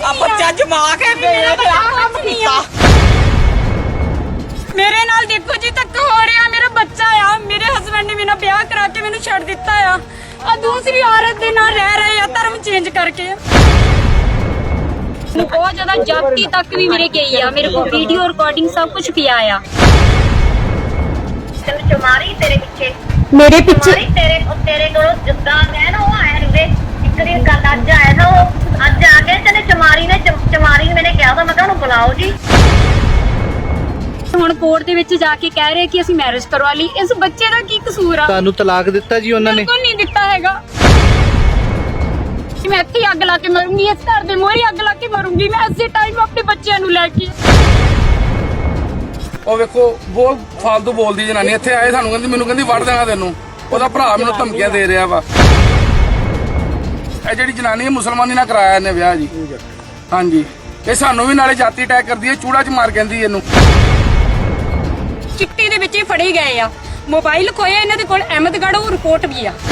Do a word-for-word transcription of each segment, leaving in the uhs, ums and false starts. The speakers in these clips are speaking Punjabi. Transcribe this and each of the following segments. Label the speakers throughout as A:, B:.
A: ਆ ਬੱਚਾ ਜਮਾ ਕੇ ਮੇਰਾ
B: ਮੇਰੇ ਨਾਲ ਦੇਖੋ ਜੀ ਧੱਕਾ ਹੋ ਰਿਹਾ। ਮੇਰਾ ਬੱਚਾ ਆ, ਮੇਰੇ ਹਸਬੰਡ ਨੇ ਮੇਰਾ ਵਿਆਹ ਕਰਾ ਕੇ ਮੈਨੂੰ ਛੱਡ ਦਿੱਤਾ ਆ। ਆ ਦੂਸਰੀ ਔਰਤ ਦੇ ਨਾਲ ਰਹਿ ਰਹੇ ਆ ਧਰਮ ਚੇਂਜ ਕਰਕੇ। ਬਹੁਤ ਜ਼ਿਆਦਾ ਜਾਤੀ ਤੱਕ ਵੀ ਮੇਰੇ ਗਈ ਆ। ਮੇਰੇ ਕੋਲ ਵੀਡੀਓ ਰਿਕਾਰਡਿੰਗ ਸਭ ਕੁਝ ਪਿਆ ਆ।
C: ਤੈਨੂੰ ਚਮਾਰੀ ਤੇਰੇ ਪਿੱਛੇ
B: ਮੇਰੇ ਪਿੱਛੇ
C: ਚਮਾਰੀ ਤੇਰੇ ਤੇਰੇ ਕੋਲੋਂ ਜਿੱਦਾਂ ਮੈਂ ਨਾ ਉਹ ਆਇਆ ਰੇ ਇੱਕ ਦਿਨ ਗੱਲ ਅੱਜ ਆਇਆ ਨਾ ਉਹ ਅੱਜ ਆ ਕੇ ਤੈਨੇ ਚਮਾਰੀ ਨੇ ਚਮ- ਚਮਾਰੀ ਨੇ ਮੈਨੇ ਕਿਹਾ ਤਾਂ ਮੈਂ ਕਿਹਾ ਉਹਨੂੰ ਬੁਲਾਓ ਜੀ।
B: ਹੁਣ ਕੋਰਟ ਦੇ ਵਿੱਚ ਜਾ ਕੇ ਕਹਿ ਰਹੇ ਕਿ ਅਸੀਂ ਮੈਰਿਜ ਕਰਵਾ ਲਈ। ਇਸ ਬੱਚੇ ਦਾ ਕੀ ਕਸੂਰ ਆ?
D: ਤੁਹਾਨੂੰ ਤਲਾਕ ਦਿੱਤਾ ਜੀ ਉਹਨਾਂ ਨੇ?
B: ਬਿਲਕੁਲ ਨਹੀਂ ਦਿੱਤਾ ਹੈਗਾ। ਮੈਂ ਇੱਥੇ ਅੱਗ ਲਾ ਕੇ ਮਰੂੰਗੀ, ਇਸ ਘਰ ਦੇ ਮੋਹਰੇ ਅੱਗ ਲਾ ਕੇ ਮਰੂੰਗੀ ਮੈਂ ਇਸੇ ਟਾਈਮ ਆਪਣੇ ਬੱਚਿਆਂ ਨੂੰ ਲੈ ਕੇ।
E: ਉਹ ਵੇਖੋ ਬਹੁਤ ਫਾਲਤੂ ਬੋਲਦੀ ਜਨਾਨੀ। ਇੱਥੇ ਆਏ ਸਾਨੂੰ ਕਹਿੰਦੀ ਮੈਨੂੰ ਕਹਿੰਦੀ ਵੜ ਦੇਣਾ ਤੈਨੂੰ। ਉਹਦਾ ਭਰਾ ਮੈਨੂੰ ਧਮਕੀਆਂ ਦੇ ਰਿਹਾ ਵਾ। ਇਹ ਜਿਹੜੀ ਜਨਾਨੀ ਹੈ ਮੁਸਲਮਾਨੀ ਨਾਲ ਕਰਾਇਆ ਇਹਨੇ ਵਿਆਹ ਜੀ। ਹਾਂਜੀ ਇਹ ਸਾਨੂੰ ਵੀ ਨਾਲੇ ਜਾਤੀ ਅਟੈਕ ਕਰਦੀ ਹੈ, ਚੂੜਾ ਚ ਮਾਰ ਕਹਿੰਦੀ ਇਹਨੂੰ।
B: ਚਿੱਟੀ ਦੇ ਵਿੱਚ ਹੀ ਫੜੇ ਗਏ ਆ। ਮੋਬਾਈਲ ਖੋਇਆ ਇਹਨਾਂ ਦੇ ਕੋਲ, ਅਹਿਮਦਗੜ੍ਹ ਉਹ ਰਿਪੋਰਟ ਵੀ ਆ।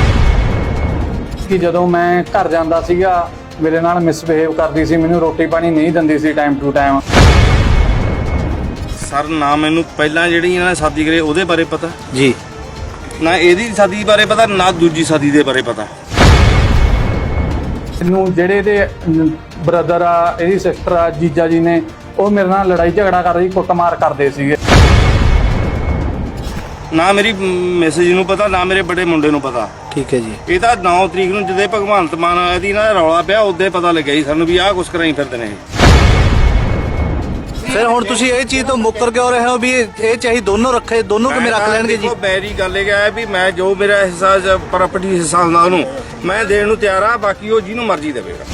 F: ਕਿ ਜਦੋਂ ਮੈਂ ਘਰ ਜਾਂਦਾ ਸੀਗਾ ਮੇਰੇ ਨਾਲ ਮਿਸਬਿਹੇਵ ਕਰਦੀ ਸੀ, ਮੈਨੂੰ ਰੋਟੀ ਪਾਣੀ ਨਹੀਂ ਦਿੰਦੀ ਸੀ ਟਾਈਮ ਟੂ ਟਾਈਮ।
G: ਸਰ ਨਾ ਮੈਨੂੰ ਪਹਿਲਾਂ ਜਿਹੜੀ ਇਹਨਾਂ ਨੇ ਸ਼ਾਦੀ ਕਰੀ ਉਹਦੇ ਬਾਰੇ ਪਤਾ
D: ਜੀ,
G: ਨਾ ਇਹਦੀ ਸ਼ਾਦੀ ਬਾਰੇ ਪਤਾ, ਨਾ ਦੂਜੀ ਸ਼ਾਦੀ ਦੇ ਬਾਰੇ ਪਤਾ।
F: ਇਹਨੂੰ ਜਿਹੜੇ ਇਹਦੇ ਬ੍ਰਦਰ ਆ, ਇਹਦੀ ਸਿਸਟਰ ਆ, ਜੀਜਾ ਜੀ ਨੇ ਉਹ ਮੇਰੇ ਨਾਲ ਲੜਾਈ ਝਗੜਾ ਕਰ ਰਹੀ, ਕੁੱਟਮਾਰ ਕਰਦੇ ਸੀਗੇ।
G: ਨਾ ਮੇਰੀ ਮੈਸੇਜ ਨੂੰ ਪਤਾ, ਨਾ ਮੇਰੇ ਬੜੇ ਮੁੰਡੇ ਨੂੰ ਪਤਾ।
D: ਠੀਕ ਹੈ ਜੀ।
G: ਇਹ ਤਾਂ ਨੌ ਤਰੀਕ ਨੂੰ ਜਦੋਂ ਭਗਵੰਤ ਮਾਨ ਇਹਦੀ ਨਾ ਰੌਲਾ ਪਿਆ ਉਦੋਂ ਪਤਾ ਲੱਗਿਆ ਜੀ ਸਾਨੂੰ ਵੀ ਆਹ ਕੁਛ ਕਰਾਈ ਫਿਰਦੇ ਨੇ।
D: ਫਿਰ ਹੁਣ ਤੁਸੀਂ ਇਹ ਚੀਜ਼ ਤੋਂ ਮੁੱਕਰ ਕਿਉਂ ਰਹੇ ਹੋ ਵੀ ਇਹ ਚਾਹੀ ਦੋਨੋਂ ਰੱਖੇ, ਦੋਨੋਂ ਕਿਵੇਂ ਰੱਖ ਲੈਣਗੇ ਜੀ?
G: ਬੈਰੀ ਗੱਲ ਇਹ ਹੈ ਵੀ ਮੈਂ ਜੋ ਮੇਰਾ ਹਿੱਸਾ ਪ੍ਰਾਪਰਟੀ ਹਿੱਸਾ ਹੁੰਦਾ ਉਹਨੂੰ ਮੈਂ ਦੇਣ ਨੂੰ ਤਿਆਰ ਆ, ਬਾਕੀ ਉਹ ਜਿਹਨੂੰ ਮਰਜ਼ੀ ਦੇਵੇਗਾ।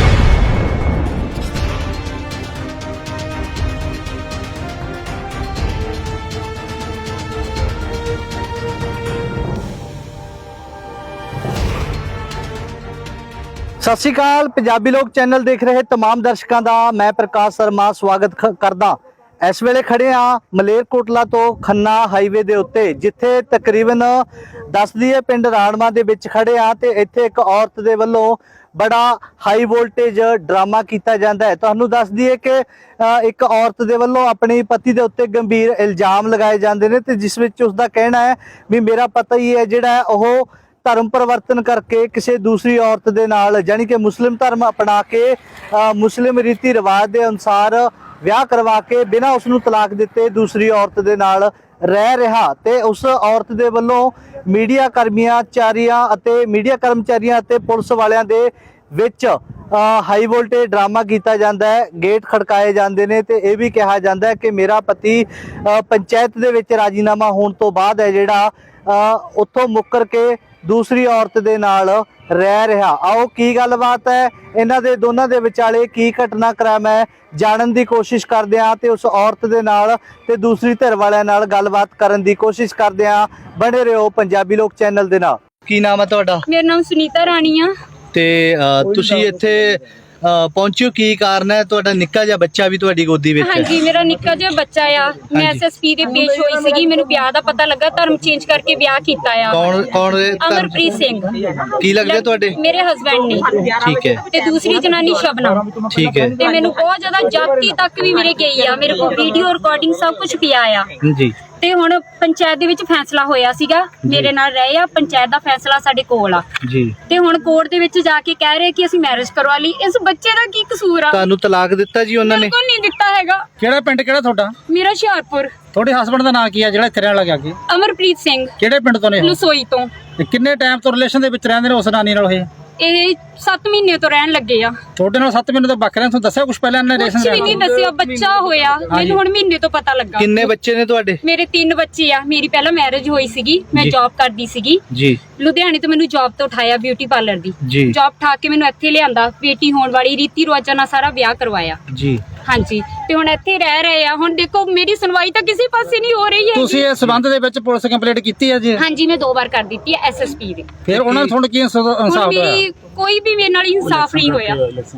D: ਸਤਿ ਸ਼੍ਰੀ ਅਕਾਲ। ਪੰਜਾਬੀ ਲੋਕ ਚੈਨਲ ਦੇਖ ਰਹੇ ਤਮਾਮ ਦਰਸ਼ਕਾਂ ਦਾ ਮੈਂ ਪ੍ਰਕਾਸ਼ ਸ਼ਰਮਾ ਸਵਾਗਤ ਕਰਦਾ। ਇਸ ਵੇਲੇ ਖੜੇ ਆ ਮਲੇਰਕੋਟਲਾ ਤੋਂ ਖੰਨਾ ਹਾਈਵੇ ਦੇ ਉੱਤੇ, ਜਿੱਥੇ ਤਕਰੀਬਨ ਦੱਸਦੀ ਹੈ ਪਿੰਡ ਰਾਣਵਾ ਦੇ ਵਿੱਚ ਖੜੇ ਆ ਤੇ ਇੱਥੇ ਇੱਕ ਔਰਤ ਦੇ ਵੱਲੋਂ ਬੜਾ ਹਾਈ ਵੋਲਟੇਜ ਡਰਾਮਾ ਕੀਤਾ ਜਾਂਦਾ ਹੈ। ਤੁਹਾਨੂੰ ਦੱਸ ਦਈਏ ਕਿ ਇੱਕ ਔਰਤ ਦੇ ਵੱਲੋਂ ਆਪਣੇ ਪਤੀ ਦੇ ਉੱਤੇ ਗੰਭੀਰ ਇਲਜ਼ਾਮ ਲਗਾਏ ਜਾਂਦੇ ਨੇ ਤੇ ਜਿਸ ਵਿੱਚ ਉਸ ਦਾ ਕਹਿਣਾ ਹੈ ਵੀ ਮੇਰਾ ਪਤਾ ਹੀ ਹੈ ਜਿਹੜਾ ਉਹ ਧਰਮ ਪਰਿਵਰਤਨ ਕਰਕੇ ਕਿਸੇ ਦੂਸਰੀ ਔਰਤ ਦੇ ਨਾਲ, ਜਾਨੀ ਕਿ ਮੁਸਲਿਮ ਧਰਮ ਅਪਣਾ ਕੇ ਮੁਸਲਿਮ ਰੀਤੀ ਰਿਵਾਜ ਦੇ ਅਨੁਸਾਰ ਵਿਆਹ ਕਰਵਾ ਕੇ ਬਿਨਾਂ ਉਸ ਨੂੰ ਤਲਾਕ ਦਿੱਤੇ ਦੂਸਰੀ ਔਰਤ ਦੇ ਨਾਲ ਰਹਿ ਰਿਹਾ। ਤੇ ਉਸ ਔਰਤ ਦੇ ਵੱਲੋਂ ਮੀਡੀਆ ਕਰਮੀਆਂ ਚਾਰੀਆਂ ਅਤੇ ਮੀਡੀਆ ਕਰਮਚਾਰੀਆਂ ਅਤੇ ਪੁਲਿਸ ਵਾਲਿਆਂ ਦੇ ਵਿੱਚ ਹਾਈ ਵੋਲਟੇਜ ਡਰਾਮਾ ਕੀਤਾ ਜਾਂਦਾ ਹੈ, ਗੇਟ ਖੜਕਾਏ ਜਾਂਦੇ ਨੇ ਤੇ ਇਹ ਵੀ ਕਿਹਾ ਜਾਂਦਾ ਹੈ ਕਿ ਮੇਰਾ ਪਤੀ ਪੰਚਾਇਤ ਦੇ ਵਿੱਚ ਰਾਜੀਨਾਮਾ ਹੋਣ ਤੋਂ ਬਾਅਦ ਹੈ ਜਿਹੜਾ ਉੱਥੋਂ ਮੁੱਕਰ ਕੇ ਦੂਸਰੀ ਔਰਤ ਦੇ ਨਾਲ ਰਹਿ ਰਿਹਾ। ਆਓ ਕੀ ਗੱਲਬਾਤ ਹੈ ਇਹਨਾਂ ਦੇ ਦੋਨਾਂ ਦੇ ਵਿਚਾਲੇ, ਕੀ ਘਟਨਾਕ੍ਰਮ ਹੈ, ਜਾਣਨ ਦੀ ਕੋਸ਼ਿਸ਼ ਕਰਦੇ ਹਾਂ ਤੇ ਉਸ ਔਰਤ ਦੇ ਨਾਲ ਤੇ ਦੂਸਰੀ ਧਿਰ ਵਾਲਿਆਂ ਨਾਲ ਗੱਲਬਾਤ ਕਰਨ ਦੀ ਕੋਸ਼ਿਸ਼ ਕਰਦੇ ਹਾਂ। ਬਣੇ ਰਹੋ ਪੰਜਾਬੀ ਲੋਕ ਚੈਨਲ ਦੇ ਨਾਲ। ਕੀ ਨਾਮ ਹੈ ਤੁਹਾਡਾ?
B: ਮੇਰਾ ਨਾਮ ਸੁਨੀਤਾ ਰਾਣੀ ਆ।
D: ਤੇ ਤੁਸੀਂ ਇੱਥੇ ਪਹੁੰਚਿਓ, ਕੀ ਕਾਰਨ ਹੈ? ਤੁਹਾਡਾ ਨਿੱਕਾ ਜਿਹਾ ਬੱਚਾ ਵੀ ਤੁਹਾਡੀ ਗੋਦੀ ਵਿੱਚ ਹੈ?
B: ਹਾਂਜੀ, ਮੇਰਾ ਨਿੱਕਾ ਜਿਹਾ ਬੱਚਾ ਆ। ਮੈਂ ਐਸਐਸਪੀ ਦੇ ਪੇਸ਼ ਹੋਈ ਸੀਗੀ, ਮੈਨੂੰ ਵਿਆਹ ਦਾ ਪਤਾ ਲੱਗਾ, ਧਰਮ ਚੇਂਜ ਕਰਕੇ ਵਿਆਹ ਕੀਤਾ ਆ।
D: ਕੌਣ ਕੌਣ?
B: ਅਮਰਪ੍ਰੀਤ ਸਿੰਘ।
D: ਕੀ ਲੱਗਦੇ ਤੁਹਾਡੇ?
B: ਮੇਰੇ ਹਸਬੰਡ ਨੇ।
D: ਠੀਕ ਹੈ।
B: ਤੇ ਦੂਸਰੀ ਜਨਾਨੀ ਸ਼ਬਨਮ।
D: ਠੀਕ ਹੈ।
B: ਤੇ ਮੈਨੂੰ ਬਹੁਤ ਜ਼ਿਆਦਾ ਜਾਤੀ ਤੱਕ ਵੀ ਮੇਰੇ ਗਈ ਆ। ਮੇਰੇ ਕੋਲ ਵੀਡੀਓ ਰਿਕਾਰਡਿੰਗ ਸਭ ਕੁਝ ਪਿਆ ਆ।
D: ਜੀ।
B: ਤੇ ਹੁਣ ਪੰਚਾਇਤ ਦੇ ਵਿੱਚ ਫੈਸਲਾ ਹੋਇਆ ਸੀਗਾ, ਮੇਰੇ ਨਾਲ ਰਹੇ ਆ। ਪੰਚਾਇਤ ਦਾ ਫੈਸਲਾ ਸਾਡੇ ਕੋਲ ਆ
D: ਜੀ।
B: ਤੇ ਹੁਣ ਕੋਰਟ ਦੇ ਵਿੱਚ ਜਾ ਕੇ ਕਹਿ ਰਹੇ ਕਿ ਅਸੀਂ ਮੈਰਿਜ ਕਰਵਾ ਲਈ। ਇਸ ਬੱਚੇ ਦਾ ਕੀ ਕਸੂਰ ਆ?
D: ਤੁਹਾਨੂੰ ਤਲਾਕ ਦਿੱਤਾ ਜੀ ਉਹਨਾਂ ਨੇ?
B: ਬਿਲਕੁਲ ਨਹੀਂ ਦਿੱਤਾ ਹੈਗਾ।
F: ਕਿਹੜਾ ਪਿੰਡ, ਕਿਹੜਾ ਤੁਹਾਡਾ?
B: ਮੇਰਾ ਹੁਸ਼ਿਆਰਪੁਰ।
F: ਤੁਹਾਡੇ ਹਸਬੰਡ ਦਾ ਨਾਂ ਕੀ ਹੈ ਜਿਹੜਾ ਇੱਥੇ ਰਹਿਣ ਲੱਗਿਆ? ਅੱਗੇ
B: ਅਮਰਪ੍ਰੀਤ ਸਿੰਘ।
F: ਕਿਹੜੇ ਪਿੰਡ ਤੋਂ ਨੇ?
B: ਲਸੋਈ ਤੋਂ।
F: ਤੇ ਕਿੰਨੇ ਟਾਈਮ ਤੋਂ ਰਿਲੇਸ਼ਨ ਦੇ ਵਿੱਚ ਰਹਿੰਦੇ ਨੇ ਉਸ ਨਾਨੀ ਨਾਲ? ਇਹ
B: ਇਹ ਸੱਤ ਮਹੀਨੇ ਤੋਂ ਰਹਿਣ ਲੱਗੇ ਆ।
F: ਤੁਹਾਡੇ ਨਾਲ ਸੱਤ ਮਹੀਨੇ ਤੋਂ ਬੱਕ ਰਹੇ? ਤੁਹਾਨੂੰ ਦੱਸਿਆ ਕੁਝ ਪਹਿਲਾਂ ਇਹਨਾਂ ਨੇ?
B: ਕੁਝ ਵੀ ਨਹੀਂ ਦੱਸਿਆ। ਬੱਚਾ ਹੋਇਆ ਮੈਨੂੰ ਹੁਣ ਮਹੀਨੇ ਤੋਂ ਪਤਾ ਲੱਗਾ।
D: ਕਿੰਨੇ ਬੱਚੇ ਨੇ ਤੁਹਾਡੇ?
B: ਮੇਰੇ ਤਿੰਨ ਬੱਚੇ ਆ। ਮੇਰੀ ਪਹਿਲਾਂ ਮੈਰਿਜ ਹੋਈ ਸੀਗੀ, ਮੈਂ ਜੌਬ ਕਰਦੀ ਸੀਗੀ
D: ਜੀ।
B: ਲੁਧਿਆਣੇ ਤੋਂ ਮੈਨੂੰ ਜੌਬ ਤੋਂ ਉਠਾਇਆ, ਬਿਊਟੀ ਪਾਰਲਰ ਦੀ ਜੌਬ ਠਾ ਕੇ ਮੈਨੂੰ ਇੱਥੇ ਲਿਆਂਦਾ। ਬੇਟੀ ਹੋਣ ਵਾਲੀ, ਰੀਤੀ ਰਿਵਾਜਾਂ ਨਾਲ ਸਾਰਾ ਵਿਆਹ ਕਰਵਾਇਆ ਜੀ। ਹਾਂਜੀ, ਤੇ ਹੁਣ ਇੱਥੇ ਰਹਿ ਰਹੇ ਆ। ਹੁਣ ਦੇਖੋ ਮੇਰੀ ਸੁਣਵਾਈ ਤਾਂ ਕਿਸੇ ਪਾਸੇ ਨਹੀਂ ਹੋ ਰਹੀ ਹੈ।
F: ਤੁਸੀਂ ਇਸ ਸੰਬੰਧ ਦੇ ਵਿੱਚ ਪੁਲਿਸ ਕੰਪਲੇਂਟ ਕੀਤੀ ਹੈ ਜੀ?
B: ਹਾਂਜੀ, ਮੈਂ ਦੋ ਵਾਰ ਕਰ ਦਿੱਤੀ ਹੈ ਐਸਐਸਪੀ ਦੇ।
F: ਫਿਰ ਉਹਨਾਂ ਨੇ ਤੁਹਾਨੂੰ ਕੀ ਇਨਸਾਫ ਹੋਇਆ?
B: ਕੋਈ ਵੀ ਮੇਰੇ ਨਾਲ ਇਨਸਾਫ ਨਹੀਂ ਹੋਇਆ।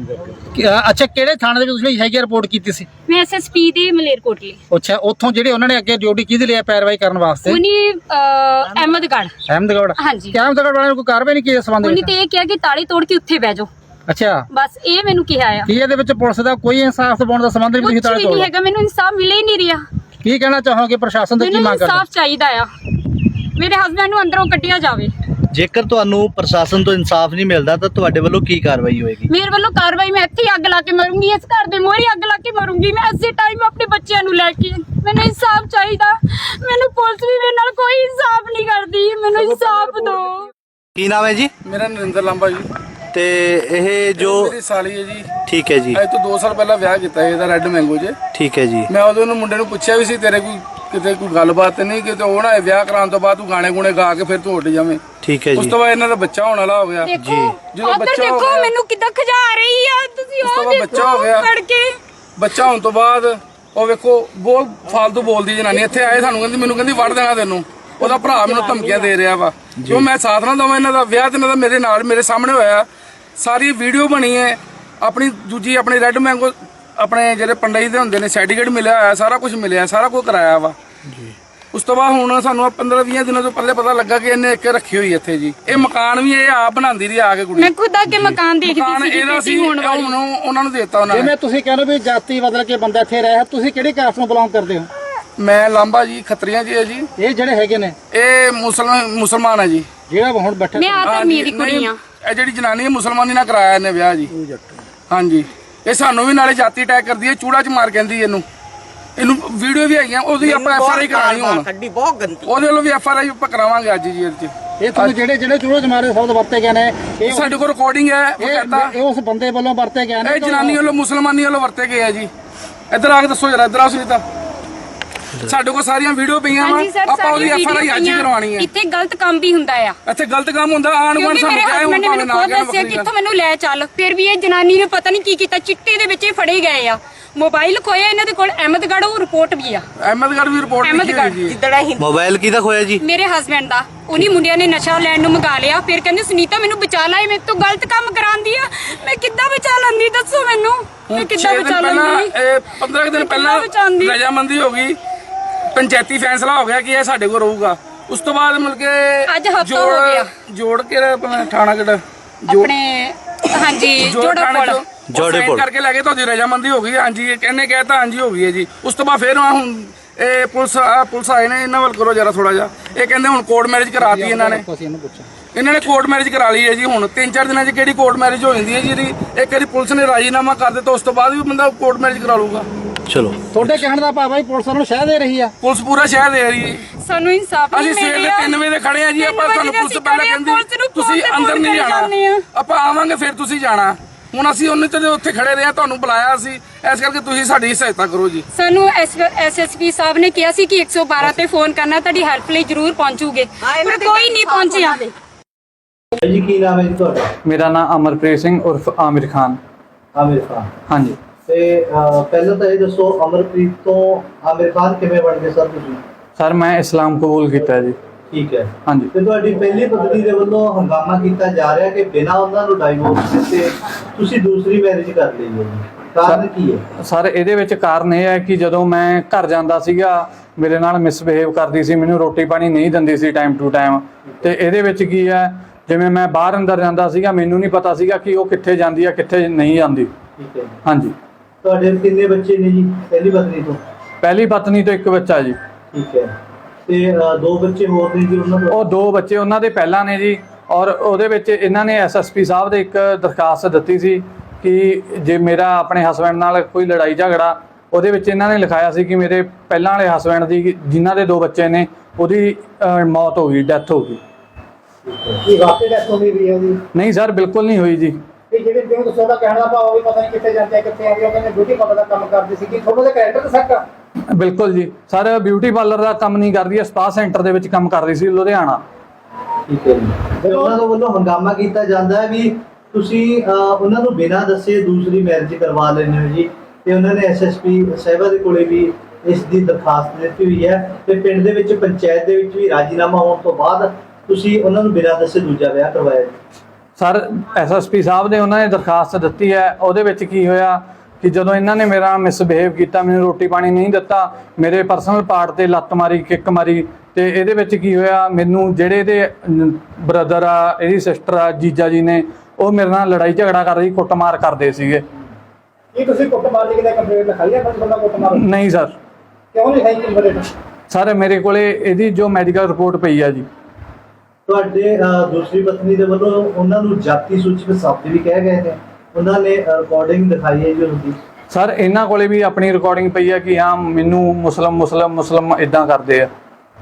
F: ਅੱਛਾ, ਕਿਹੜੇ ਥਾਣੇ ਦੇ ਵਿੱਚ ਤੁਸੀਂ ਹੈਗੀ ਰਿਪੋਰਟ ਕੀਤੀ ਸੀ?
B: ਮੈਂ ਐਸਐਸਪੀ ਦੇ ਮਲੇਰਕੋਟਲੇ।
F: ਅੱਛਾ, ਉੱਥੋਂ ਜਿਹੜੇ ਉਹਨਾਂ ਨੇ ਅੱਗੇ ਡਿਊਟੀ ਕਿਹਦੇ ਲਈ ਪੈਰਵਾਈ ਕਰਨ ਵਾਸਤੇ?
B: ਉਹਨੇ ਅਹਿਮਦਗੜ੍ਹ।
F: ਅਹਿਮਦਗੜ੍ਹ।
B: ਹਾਂਜੀ।
F: ਅਹਿਮਦਗੜ੍ਹ ਵਾਲਿਆਂ ਨੇ ਕੋਈ ਕਾਰਵਾਈ ਨਹੀਂ ਕੀਤੀ ਇਸ ਸੰਬੰਧ
B: ਉਹਨੇ
F: ਵਿੱਚ?
B: ਤੇ ਇਹ ਕਿਹਾ ਕਿ ਤਾਲੇ ਤੋੜ ਕੇ ਉੱਥੇ ਬਹਿ ਜਾਓ।
H: ਅੱਛਾ
B: ਬਸ ਇਹ ਮੈਨੂੰ ਕਿਹਾ ਆ
H: ਕੀ ਇਹਦੇ ਵਿੱਚ ਪੁਲਿਸ ਦਾ ਕੋਈ ਇਨਸਾਫ ਦਿਵਾਉਣ ਦਾ ਸੰਬੰਧ ਨਹੀਂ
B: ਕੁਝ
H: ਤੁਸੀਂ
B: ਵੀ ਨਹੀਂ ਹੈਗਾ, ਮੈਨੂੰ ਇਨਸਾਫ ਮਿਲੇ ਹੀ ਨਹੀਂ ਰਿਹਾ।
H: ਕੀ ਕਹਿਣਾ ਚਾਹੋਗੇ ਪ੍ਰਸ਼ਾਸਨ ਤੋਂ ਕੀ
B: ਮੈਨੂੰ
H: ਮੰਗ ਕਰਦੇ
B: ਇਨਸਾਫ ਚਾਹੀਦਾ ਆ, ਮੇਰੇ ਹਸਬੰਡ ਨੂੰ ਅੰਦਰੋਂ ਕੱਢਿਆ ਜਾਵੇ।
D: ਜੇਕਰ ਤੁਹਾਨੂੰ ਪ੍ਰਸ਼ਾਸਨ ਤੋਂ ਇਨਸਾਫ ਨਹੀਂ ਮਿਲਦਾ ਤਾਂ ਤੁਹਾਡੇ ਵੱਲੋਂ ਕੀ ਕਾਰਵਾਈ ਹੋਏਗੀ?
B: ਮੇਰੇ ਵੱਲੋਂ ਕਾਰਵਾਈ, ਮੈਂ ਇੱਥੇ ਹੀ ਅੱਗ ਲਾ ਕੇ ਮਰੂੰਗੀ, ਇਸ ਘਰ ਦੇ ਮੋਹਰੇ ਅੱਗ ਲਾ ਕੇ ਮਰੂੰਗੀ ਮੈਂ ਇਸੇ ਟਾਈਮ ਆਪਣੇ ਬੱਚਿਆਂ ਨੂੰ ਲੈ ਕੇ। ਮੈਨੂੰ ਇਨਸਾਫ ਚਾਹੀਦਾ, ਮੈਨੂੰ ਪੁਲਿਸ ਵੀ ਮੇਰੇ ਨਾਲ ਕੋਈ ਇਨਸਾਫ ਨਹੀਂ ਕਰਦੀ, ਮੈਨੂੰ ਇਨਸਾਫ ਦਿਓ।
D: ਕੀ ਨਾਮ ਹੈ ਜੀ?
E: ਮੇਰਾ ਨਰਿੰਦਰ ਲਾਂਬਾ ਜੀ।
D: ਤੇ ਇਹ ਜੋ
E: ਮੇਰੀ ਸਾਲੀ ਹੈ ਜੀ।
D: ਠੀਕ ਹੈ ਜੀ।
E: ਅੱਜ ਤੋਂ ਦੋ ਸਾਲ ਪਹਿਲਾਂ ਵਿਆਹ ਕੀਤਾ ਇਹਦਾ ਰੈੱਡ ਮੈਂਗੋ 'ਚ।
D: ਠੀਕ ਹੈ ਜੀ।
E: ਮੈਂ ਉਦੋਂ ਨੂੰ ਮੁੰਡੇ ਨੂੰ ਪੁੱਛਿਆ ਵੀ ਸੀ ਤੇਰੇ ਕੋਈ ਕਿਤੇ ਕੋਈ ਗੱਲਬਾਤ ਨਹੀਂ, ਕਿਤੇ ਉਹ ਨਾ ਵਿਆਹ ਕਰਾਉਣ ਤੋਂ ਬਾਅਦ ਤੂੰ ਗਾਣੇ ਗੁਣੇ ਗਾ ਕੇ ਫਿਰ ਤੂੰ ਉੱਡ ਜਾਵੇਂ।
D: ਠੀਕ ਹੈ
E: ਉਸ
D: ਜੀ।
E: ਤੋਂ ਬਾਅਦ ਇਹਨਾਂ ਦਾ ਬੱਚਾ ਹੋਣ ਵਾਲਾ ਹੋ ਗਿਆ।
B: ਦੇਖੋ
E: ਜਦੋਂ
B: ਉੱਧਰ
E: ਬੱਚਾ ਹੋ
B: ਦੇਖੋ
E: ਗਿਆ-
B: ਮੈਨੂੰ ਕਿੱਦਾਂ ਖਜਾ ਰਹੀ ਆ, ਤੁਸੀਂ
E: ਉਸ ਤੋਂ
B: ਉਹ
E: ਬਾਅਦ ਬੱਚਾ ਹੋ ਗਿਆ।
B: ਫੜ ਕੇ
E: ਬੱਚਾ ਹੋਣ ਤੋਂ ਬਾਅਦ ਉਹ ਵੇਖੋ ਬਹੁਤ ਫਾਲਤੂ ਬੋਲਦੀ ਜਨਾਨੀ। ਇੱਥੇ ਆਏ ਸਾਨੂੰ ਕਹਿੰਦੀ ਮੈਨੂੰ ਕਹਿੰਦੀ ਵੜ ਦੇਣਾ ਤੈਨੂੰ। ਉਹਦਾ ਭਰਾ ਮੈਨੂੰ ਧਮਕੀਆਂ ਦੇ ਰਿਹਾ ਵਾ ਜੋ ਮੈਂ ਸਾਥ ਨਾ ਦਵਾਂ। ਇਹਨਾਂ ਦਾ ਵਿਆਹ ਤੇ ਇਹਨਾਂ ਦਾ ਮੇਰੇ ਨਾਲ ਮੇਰੇ ਸਾਹਮਣੇ ਹੋਇਆ, ਸਾਰੀ ਵੀਡੀਓ ਬਣੀ ਹੈ। ਆਪਣੀ ਦੂਜੀ ਆਪਣੀ ਰੈੱਡ ਮੈਂਗੋ ਆਪਣੇ ਜਿਹੜੇ ਪੰਡਈ ਦੇ ਹੁੰਦੇ ਨੇ ਸਰਟੀਫਿਕੇਟ ਮਿਲਿਆ ਹੋਇਆ, ਸਾਰਾ ਕੁਝ ਮਿਲਿਆ, ਸਾਰਾ ਕੁਝ ਕਰਾਇਆ ਵਾ। ਉਸ ਤੋਂ ਬਾਅਦ ਹੁਣ ਸਾਨੂੰ ਪੰਦਰਾਂ ਵੀਹ ਦਿਨਾਂ ਤੋਂ ਪਹਿਲੇ ਪਤਾ ਲੱਗਾ ਕਿ ਇਹਨੇ ਇੱਕ ਰੱਖੀ ਹੋਈ ਇੱਥੇ ਜੀ। ਇਹ ਮਕਾਨ ਵੀ ਇਹ ਆਪ ਬਣਾਉਂਦੀ ਰਹੀ ਆ ਕੇ ਕੁੜੀ।
B: ਮੈਂ ਖੁਦ ਆ ਕੇ ਮਕਾਨ ਦੇਖਦੀ
E: ਮਕਾਨ
B: ਸੀ
E: ਇਹਦਾ ਸੀ,
B: ਹੁਣ ਵਾਲੀ।
E: ਹੁਣ ਉਹਨਾਂ ਨੂੰ ਦੇਤਾ ਉਹਨਾਂ ਨੇ।
H: ਜਿਵੇਂ ਤੁਸੀਂ ਕਹਿੰਦੇ ਵੀ ਜਾਤੀ ਬਦਲ ਕੇ ਬੰਦਾ ਇੱਥੇ ਰਿਹਾ, ਤੁਸੀਂ ਕਿਹੜੀ ਕਾਸਟ ਨੂੰ ਬਿਲੋਂਗ ਕਰਦੇ ਹੋ?
E: ਮੈਂ ਲਾਂਬਾ ਜੀ, ਖੱਤਰੀਆਂ ਜੀ ਹੈ ਜੀ।
H: ਇਹ ਜਿਹੜੇ ਹੈਗੇ ਨੇ
E: ਇਹ ਮੁਸਲਮਾਨ ਮੁਸਲਮਾਨ ਹੈ ਜੀ।
H: ਜਿਹੜਾ ਹੁਣ ਬੈਠਾ
B: ਮੈਂ ਆ ਤਾਂ ਮੇਰੀ ਕੁੜੀ ਆ।
E: ਇਹ ਜਿਹੜੀ ਜਨਾਨੀ ਹੈ ਮੁਸਲਮਾਨੀ ਨਾਲ ਕਰਾਇਆ ਇਹਨੇ ਵਿਆਹ ਜੀ। ਹਾਂਜੀ, ਇਹ ਸਾਨੂੰ ਵੀ ਨਾਲੇ ਜਾਤੀ ਅਟੈਕ ਕਰਦੀ ਹੈ, ਚੂੜਾ ਚ ਮਾਰ ਕਹਿੰਦੀ ਇਹਨੂੰ। ਇਹਨੂੰ ਵੀਡੀਓ ਵੀ ਹੈਗੀਆਂ, ਉਹਦੀ ਆਪਾਂ ਐਫ ਆਰ ਆਈ ਕਰਾਣੀ ਹੁਣ।
A: ਕੱਢੀ ਬਹੁਤ ਗੰਦੀ।
E: ਉਹਦੇ ਵੱਲੋਂ ਵੀ ਐਫ ਆਰ ਆਈ ਆਪਾਂ ਕਰਾਵਾਂਗੇ ਅੱਜ ਜੀ ਇਹਦੇ ਚ।
H: ਇਹ ਤੁਹਾਨੂੰ ਜਿਹੜੇ ਜਿਹੜੇ ਚੂੜੇ ਚ ਮਾਰੇ ਸ਼ਬਦ ਵਰਤੇ ਗਏ ਨੇ, ਇਹ
E: ਸਾਡੇ ਕੋਲ ਰਿਕਾਰਡਿੰਗ ਹੈ, ਉਹ ਕਹਿੰਦਾ
H: ਇਹ ਉਸ ਬੰਦੇ ਵੱਲੋਂ ਵਰਤੇ ਗਏ ਨੇ।
E: ਇਹ ਜਨਾਨੀ ਵੱਲੋਂ ਮੁਸਲਮਾਨੀ ਵੱਲੋਂ ਵਰਤੇ ਗਏ ਆ ਜੀ। ਇੱਧਰ ਆ ਕੇ ਦੱਸੋ ਜਰਾ, ਇੱਧਰ ਆਓ ਸੁਨੀਤਾ। ਸਾਡੇ ਕੋਲ ਸਾਰੀਆਂ ਵੀਡੀਓ ਪਈਆਂ ਵਾ,
B: ਹਾਂਜੀ ਸਰ,
E: ਆਪਾਂ ਉਹਦੀ ਐਫ ਆਰ ਆਈ ਅੱਜ ਹੀ ਕਰਵਾਣੀ ਹੈ।
B: ਇੱਥੇ ਗਲਤ ਕੰਮ ਵੀ ਹੁੰਦਾ ਆ।
E: ਇੱਥੇ ਗਲਤ ਕੰਮ ਹੁੰਦਾ, ਆਣ ਗੁਆਂਢ
B: ਕਿਉਂਕਿ
E: ਸਾਨੂੰ
B: ਮੇਰੇ
E: ਕਹੇ
B: ਹਸਬੰਡ
E: ਹੁਣ
B: ਨੇ
E: ਭਾਵੇਂ
B: ਮੈਨੂੰ
E: ਨਾ
B: ਖੁਦ
E: ਕਹਿਣ
B: ਦੱਸਿਆ
E: ਵੱਖਰੀ
B: ਕਿ
E: ਗੱਲ।
B: ਇੱਥੋਂ ਮੈਨੂੰ ਲੈ ਚੱਲ, ਫਿਰ ਵੀ ਇਹ ਜਨਾਨੀ ਨੇ ਪਤਾ ਨਹੀਂ ਕੀ ਕੀਤਾ, ਚਿੱਟੇ ਦੇ ਵਿੱਚ ਇਹ ਫੜੇ ਗਏ ਆ। ਮੋਬਾਈਲ ਖੋਇਆ ਇਹਨਾਂ ਦੇ ਕੋਲ, ਅਹਿਮਦਗੜ੍ਹ ਉਹ ਰਿਪੋਰਟ ਵੀ ਆ।
E: ਅਹਿਮਦਗੜ੍ਹ ਵੀ ਰਿਪੋਰਟ ਲਿਖੀ ਹੋਈ ਜੀ।
A: ਜਿੱਦੜਾ ਹੀ
D: ਮੋਬਾਈਲ ਕਿਹਦਾ ਖੋਇਆ ਜੀ?
B: ਮੇਰੇ ਹਸਬੰਡ ਦਾ। ਉਨੀ ਮੁੰਡਿਆਂ ਨੇ ਨਸ਼ਾ ਲੈਣ ਨੂੰ ਮੰਗਾ ਲਿਆ, ਫਿਰ ਕਹਿੰਦੇ ਸੁਨੀਤਾ ਮੈਨੂੰ ਬਚਾ ਲੈ, ਇਹ ਮੇਰੇ ਤੋਂ ਗਲਤ ਕੰਮ ਕਰਾਉਂਦੀ ਆ। ਮੈਂ ਕਿੱਦਾਂ ਬਚਾ ਲੈਂਦੀ, ਦੱਸੋ ਮੈਨੂੰ, ਮੈਂ ਕਿੱਦਾਂ
E: ਛੇ ਦਿਨ
B: ਬਚਾ
E: ਪਹਿਲਾਂ
B: ਲੈਂਦੀ?
E: ਇਹ ਪੰਦਰਾਂ ਦਿਨ ਪਹਿਲਾਂ
B: ਬਚਾਉਂਦੀ?
E: ਰਜਾਮੰਦੀ ਹੋ ਗਈ, ਪੰਚਾਇਤੀ ਫੈਸਲਾ ਹੋ ਗਿਆ ਕਿ ਇਹ ਸਾਡੇ ਕੋਲ ਰਹੂਗਾ। ਉਸ ਤੋਂ ਬਾਅਦ ਮਿਲ ਕੇ
B: ਅੱਜ ਹਫ਼ਤਾ ਹੋ ਗਿਆ।
E: ਜੋੜ ਕੇ ਆਪਣਾ ਥਾਣਾ ਕਿਹੜਾ
B: ਆਪਣੇ ਹਾਂਜੀ ਜੋੜਾ ਕੋਲ
E: ਜੋੜੇ ਕੋਲ ਕਰਕੇ ਲੈ ਕੇ ਤੁਹਾਡੀ ਰਜਾਮੰਦੀ ਹੋ ਗਈ। ਹਾਂਜੀ, ਇਹ ਕਹਿੰਨੇ ਕਹਿਤਾ ਹਾਂਜੀ ਹੋ ਗਈ ਹੈ ਜੀ। ਉਸ ਤੋਂ ਬਾਅਦ ਫਿਰ ਹੁਣ ਇਹ ਪੁਲਿਸ ਆ ਪੁਲਿਸ ਆਏ ਨੇ, ਇਹਨਾਂ ਵੱਲ ਕਰੋ ਜਰਾ ਥੋੜਾ ਜਿਹਾ। ਇਹ ਕਹਿੰਦੇ ਹੁਣ ਕੋਰਟ ਮੈਰਿਜ ਕਰਾਤੀ ਇਹਨਾਂ ਨੇ। ਇਹਨਾਂ ਨੇ ਕੋਰਟ ਮੈਰਿਜ ਕਰਾ ਲਈ ਹੈ ਜੀ। ਹੁਣ ਤਿੰਨ ਚਾਰ ਦਿਨਾਂ 'ਚ ਕਿਹੜੀ ਕੋਰਟ ਮੈਰਿਜ ਹੋ ਜਾਂਦੀ ਹੈ ਜੀ ਇਹਦੀ। ਇੱਕ ਵਾਰੀ ਪੁਲਿਸ ਨੇ ਰਾਜੀਨਾਮਾ ਕਰ ਦਿੱਤਾ, ਉਸ ਤੋਂ ਬਾਅਦ ਵੀ ਬੰਦਾ ਕੋਰਟ ਮੈਰਿਜ ਕਰਾ ਲੂਗਾ।
D: ਚਲੋ,
H: ਤੁਹਾਡੇ ਕਹਿਣ ਦਾ ਭਾਵ ਹੈ ਪੁਲਿਸ ਨੂੰ ਸ਼ਹਿ ਦੇ ਰਹੀ ਆ।
E: ਪੁਲਿਸ ਪੂਰਾ ਸ਼ਹਿਰ ਦੇ ਰਹੀ ਹੈ।
B: ਸਾਨੂੰ ਇਨਸਾਫ ਨਹੀਂ
E: ਅਸੀਂ
B: ਮਿਲ
E: ਸਵੇਰ ਦੇ
B: ਰਿਹਾ।
E: ਤਿੰਨ ਵਜੇ ਦੇ ਖੜੇ ਆ ਜੀ। ਆਪਾਂ
B: ਤਿੰਨ
E: ਸਾਨੂੰ
B: ਵਜੇ
E: ਪੁਲਿਸ
B: ਅਸੀਂ
E: ਪਹਿਲਾਂ
B: ਖੜੇ ਆ,
E: ਕਹਿੰਦੀ
B: ਪੁਲਿਸ ਨੂੰ
E: ਤੁਸੀਂ
B: ਫੋਨ ਤੇ
E: ਅੰਦਰ
B: ਫੋਨ
E: ਨਹੀਂ
B: ਕਰੀ ਜਾਂਦੇ
E: ਜਾਣਾ,
B: ਆ।
E: ਆਪਾਂ ਆਵਾਂਗੇ ਫਿਰ ਤੁਸੀਂ ਜਾਣਾ। ਹੁਣ ਅਸੀਂ ਉਹਨੇ ਤੇ ਉੱਥੇ ਖੜੇ ਰਹੇ ਆ, ਤੁਹਾਨੂੰ ਬੁਲਾਇਆ ਸੀ, ਇਸ ਕਰਕੇ ਤੁਸੀਂ ਸਾਡੀ ਸਹਾਇਤਾ ਕਰੋ ਜੀ।
B: ਸਾਨੂੰ ਐਸ ਐਸ ਪੀ ਸਾਹਿਬ ਨੇ ਕਿਹਾ ਸੀ ਕਿ ਇੱਕ ਸੌ ਬਾਰਾਂ ਤੇ ਫੋਨ ਕਰਨਾ, ਤੁਹਾਡੀ ਹੈਲਪ ਲਈ ਜ਼ਰੂਰ ਪਹੁੰਚੂਗੇ, ਪਰ ਕੋਈ ਨਹੀਂ ਪਹੁੰਚਿਆ।
D: ਜੀ ਕੀ ਨਾਮ ਹੈ ਜੀ ਤੁਹਾਡਾ?
F: ਮੇਰਾ ਨਾਮ ਅਮਰਪ੍ਰੀਤ ਸਿੰਘ ਉਰਫ ਆਮਿਰ ਖਾਨ।
D: ਆਮਿਰ ਖਾਨ।
F: ਹਾਂਜੀ
D: ਤੇ ਅਹ, ਪਹਿਲਾਂ ਤਾਂ ਇਹ ਦੱਸੋ ਅਮਰਪ੍ਰੀਤ ਤੋਂ ਆਮਿਰ ਖਾਨ ਕਿਵੇਂ ਬਣ ਗਏ ਸਰ ਤੁਸੀਂ?
F: ਸਰ, ਮੈਂ ਇਸਲਾਮ ਕਬੂਲ ਕੀਤਾ ਜੀ।
D: ਠੀਕ ਹੈ।
F: ਹਾਂਜੀ।
D: ਤੇ ਤੁਹਾਡੀ ਪਹਿਲੀ ਪਤਨੀ ਦੇ ਵੱਲੋਂ ਹੰਗਾਮਾ ਕੀਤਾ ਜਾ ਰਿਹਾ ਕਿ ਬਿਨਾਂ ਉਹਨਾਂ ਨੂੰ ਡਾਈਵੋਰਸ ਦਿੱਤੇ ਤੁਸੀਂ ਦੂਸਰੀ ਮੈਰਿਜ ਕਰ ਲਈ ਹੈ ਜੀ, ਕਾਰਨ ਕੀ ਹੈ?
F: ਸਰ, ਇਹਦੇ ਵਿੱਚ ਕਾਰਨ ਇਹ ਹੈ ਕਿ ਜਦੋਂ ਮੈਂ ਘਰ ਜਾਂਦਾ ਸੀਗਾ ਮੇਰੇ ਨਾਲ ਮਿਸਬਿਹੇਵ ਕਰਦੀ ਸੀ, ਮੈਨੂੰ ਰੋਟੀ ਪਾਣੀ ਨਹੀਂ ਦਿੰਦੀ ਸੀ ਟਾਈਮ ਟੂ ਟਾਈਮ। ਤੇ ਇਹਦੇ ਵਿੱਚ ਕੀ ਹੈ, ਜਿਵੇਂ ਮੈਂ ਬਾਹਰ ਅੰਦਰ ਜਾਂਦਾ ਸੀਗਾ, ਮੈਨੂੰ ਨਹੀਂ ਪਤਾ ਸੀਗਾ ਕਿ ਉਹ ਕਿੱਥੇ ਜਾਂਦੀ ਹੈ ਕਿੱਥੇ ਨਹੀਂ ਜਾਂਦੀ।
D: ਠੀਕ ਹੈ।
F: ਹਾਂਜੀ।
D: ਤੁਹਾਡੇ ਕਿੰਨੇ ਬੱਚੇ ਨੇ ਜੀ ਪਹਿਲੀ ਪਤਨੀ ਤੋਂ?
F: ਪਹਿਲੀ ਪਤਨੀ ਤੋਂ ਇੱਕ ਬੱਚਾ ਜੀ।
D: ਠੀਕ ਹੈ। ਤੇ ਅਹ, ਦੋ ਬੱਚੇ ਹੋਰ ਨੇ ਜੀ ਉਹਨਾਂ ਤੋਂ?
F: ਉਹ ਦੋ ਬੱਚੇ ਉਹਨਾਂ ਦੇ ਪਹਿਲਾਂ ਨੇ ਜੀ। ਔਰ ਉਹਦੇ ਵਿੱਚ ਇਹਨਾਂ ਨੇ ਐਸ ਐਸ ਪੀ ਸਾਹਿਬ ਦੇ ਇੱਕ ਦਰਖਾਸਤ ਦਿੱਤੀ ਸੀ ਕਿ ਜੇ ਮੇਰਾ ਆਪਣੇ ਹਸਬੈਂਡ ਨਾਲ ਕੋਈ ਲੜਾਈ ਝਗੜਾ, ਉਹਦੇ ਵਿੱਚ ਇਹਨਾਂ ਨੇ ਲਿਖਾਇਆ ਸੀ ਕਿ ਮੇਰੇ ਪਹਿਲਾਂ ਵਾਲੇ ਹਸਬੈਂਡ ਦੀ ਜਿਨ੍ਹਾਂ ਦੇ ਦੋ ਬੱਚੇ ਨੇ ਉਹਦੀ ਅਹ, ਮੌਤ ਹੋ ਗਈ, ਡੈਥ ਹੋ ਗਈ।
H: ਕੀ ਵਾਕਈ ਡੈਥ ਹੋ ਗਈ ਹੈ ਜੀ?
F: ਨਹੀਂ ਸਰ, ਬਿਲਕੁਲ ਨਹੀਂ ਹੋਈ ਜੀ।
H: ਤੇ ਜਿਹੜੇ ਜਿਵੇਂ ਦੱਸੋ ਦਾ ਕਹਿਣ ਦਾ ਭਾਵ ਵੀ ਪਤਾ ਨਹੀਂ ਕਿੱਥੇ ਜਾਂਦੇ ਕਿੱਥੇ ਆਉਂਦੇ, ਉਹਨਾਂ ਨੇ ਬਿਊਟੀ ਪਾਰਲਰ ਦਾ ਕੰਮ ਕਰਦੇ ਸੀ, ਕਿ ਤੁਹਾਡੇ ਦੇ ਕੈਰੈਕਟਰ ਤੇ ਸੱਟ ਆ?
F: ਬਿਲਕੁਲ ਜੀ ਸਰ, ਬਿਊਟੀ ਪਾਰਲਰ ਦਾ ਕੰਮ ਨਹੀਂ ਕਰਦੀ ਹੈ, ਸਪਾ ਸੈਂਟਰ ਦੇ ਵਿੱਚ ਕੰਮ ਕਰਦੀ ਸੀ ਲੁਧਿਆਣਾ।
D: ਠੀਕ ਹੈ ਜੀ। ਤੇ ਉਹਨਾਂ ਦੇ ਵੱਲੋਂ ਹੰਗਾਮਾ ਕੀਤਾ ਜਾਂਦਾ ਹੈ ਵੀ ਤੁਸੀਂ ਅਹ, ਉਹਨਾਂ ਨੂੰ ਬਿਨਾਂ ਦੱਸੇ ਦੂਸਰੀ ਮੈਰਿਜ ਕਰਵਾ ਲੈਂਦੇ ਹੋ ਜੀ। ਤੇ ਉਹਨਾਂ ਨੇ ਐਸ ਐਸ ਪੀ ਸਾਹਿਬਾ ਦੇ ਕੋਲੇ ਵੀ ਇਸ ਦੀ ਦਰਖਾਸਤ ਦਿੱਤੀ ਹੋਈ ਹੈ ਤੇ ਪਿੰਡ ਦੇ ਵਿੱਚ ਪੰਚਾਇਤ ਦੇ ਵਿੱਚ ਵੀ ਰਾਜੀਨਾਮਾ ਹੋਣ ਤੋਂ ਬਾਅਦ ਤੁਸੀਂ ਉਹਨਾਂ ਨੂੰ ਬਿਨਾਂ ਦੱਸੇ ਦੂਜਾ ਵਿਆਹ ਕਰਵਾਇਆ ਜੀ।
F: ਸਰ, ਐਸ ਐਸ ਪੀ ਸਾਹਿਬ ਨੇ ਉਹਨਾਂ ਨੇ ਦਰਖਾਸਤ ਦਿੱਤੀ ਹੈ। ਉਹਦੇ ਵਿੱਚ ਕੀ ਹੋਇਆ ਕਿ ਜਦੋਂ ਇਹਨਾਂ ਨੇ ਮੇਰਾ ਮਿਸਬਿਹੇਵ ਕੀਤਾ, ਮੈਨੂੰ ਰੋਟੀ ਪਾਣੀ ਨਹੀਂ ਦਿੱਤਾ, ਮੇਰੇ ਪਰਸਨਲ ਪਾਰਟ ਤੇ ਲੱਤ ਮਾਰੀ, ਕਿੱਕ ਮਾਰੀ। ਤੇ ਇਹਦੇ ਵਿੱਚ ਕੀ ਹੋਇਆ, ਮੈਨੂੰ ਜਿਹੜੇ ਇਹਦੇ ਬ੍ਰਦਰ ਆ, ਇਹਦੀ ਸਿਸਟਰ ਆ, ਜੀਜਾ ਜੀ ਨੇ, ਉਹ ਮੇਰੇ ਨਾਲ ਲੜਾਈ ਝਗੜਾ ਕਰਦੇ ਸੀ, ਕੁੱਟਮਾਰ ਕਰਦੇ ਸੀਗੇ।
H: ਕੀ ਤੁਸੀਂ ਕੁੱਟਮਾਰ ਦੀ ਕਿਤੇ ਕੰਪਲੇਂਟ ਲਿਖਾਈ ਹੈ ਬੰਦਾ ਕੁੱਟਮਾਰ?
F: ਨਹੀਂ ਸਰ।
H: ਕਿਉਂ ਲਿਖਾਈ ਕੰਪਲੇਂਟ?
F: ਸਰ ਮੇਰੇ ਕੋਲੇ ਇਹਦੀ ਜੋ ਮੈਡੀਕਲ ਰਿਪੋਰਟ ਪਈ ਆ ਜੀ।
D: ਤੁਹਾਡੇ ਅਹ, ਦੂਸਰੀ ਪਤਨੀ ਦੇ ਵੱਲੋਂ ਉਹਨਾਂ ਨੂੰ ਜਾਤੀ ਸੂਚਕ ਸ਼ਬਦ ਵੀ ਕਹਿ ਗਏ ਨੇ, ਉਹਨਾਂ ਨੇ ਰਿਕਾਰਡਿੰਗ ਦਿਖਾਈ ਹੈ ਜੀ ਉਹਦੀ।
F: ਸਰ ਇਹਨਾਂ ਕੋਲੇ ਵੀ ਆਪਣੀ ਰਿਕਾਰਡਿੰਗ ਪਈ ਆ ਕਿ ਹਾਂ ਮੈਨੂੰ ਮੁਸਲਮ ਮੁਸਲਮ ਮੁਸਲਮ ਇਦਾਂ ਕਰਦੇ ਆ।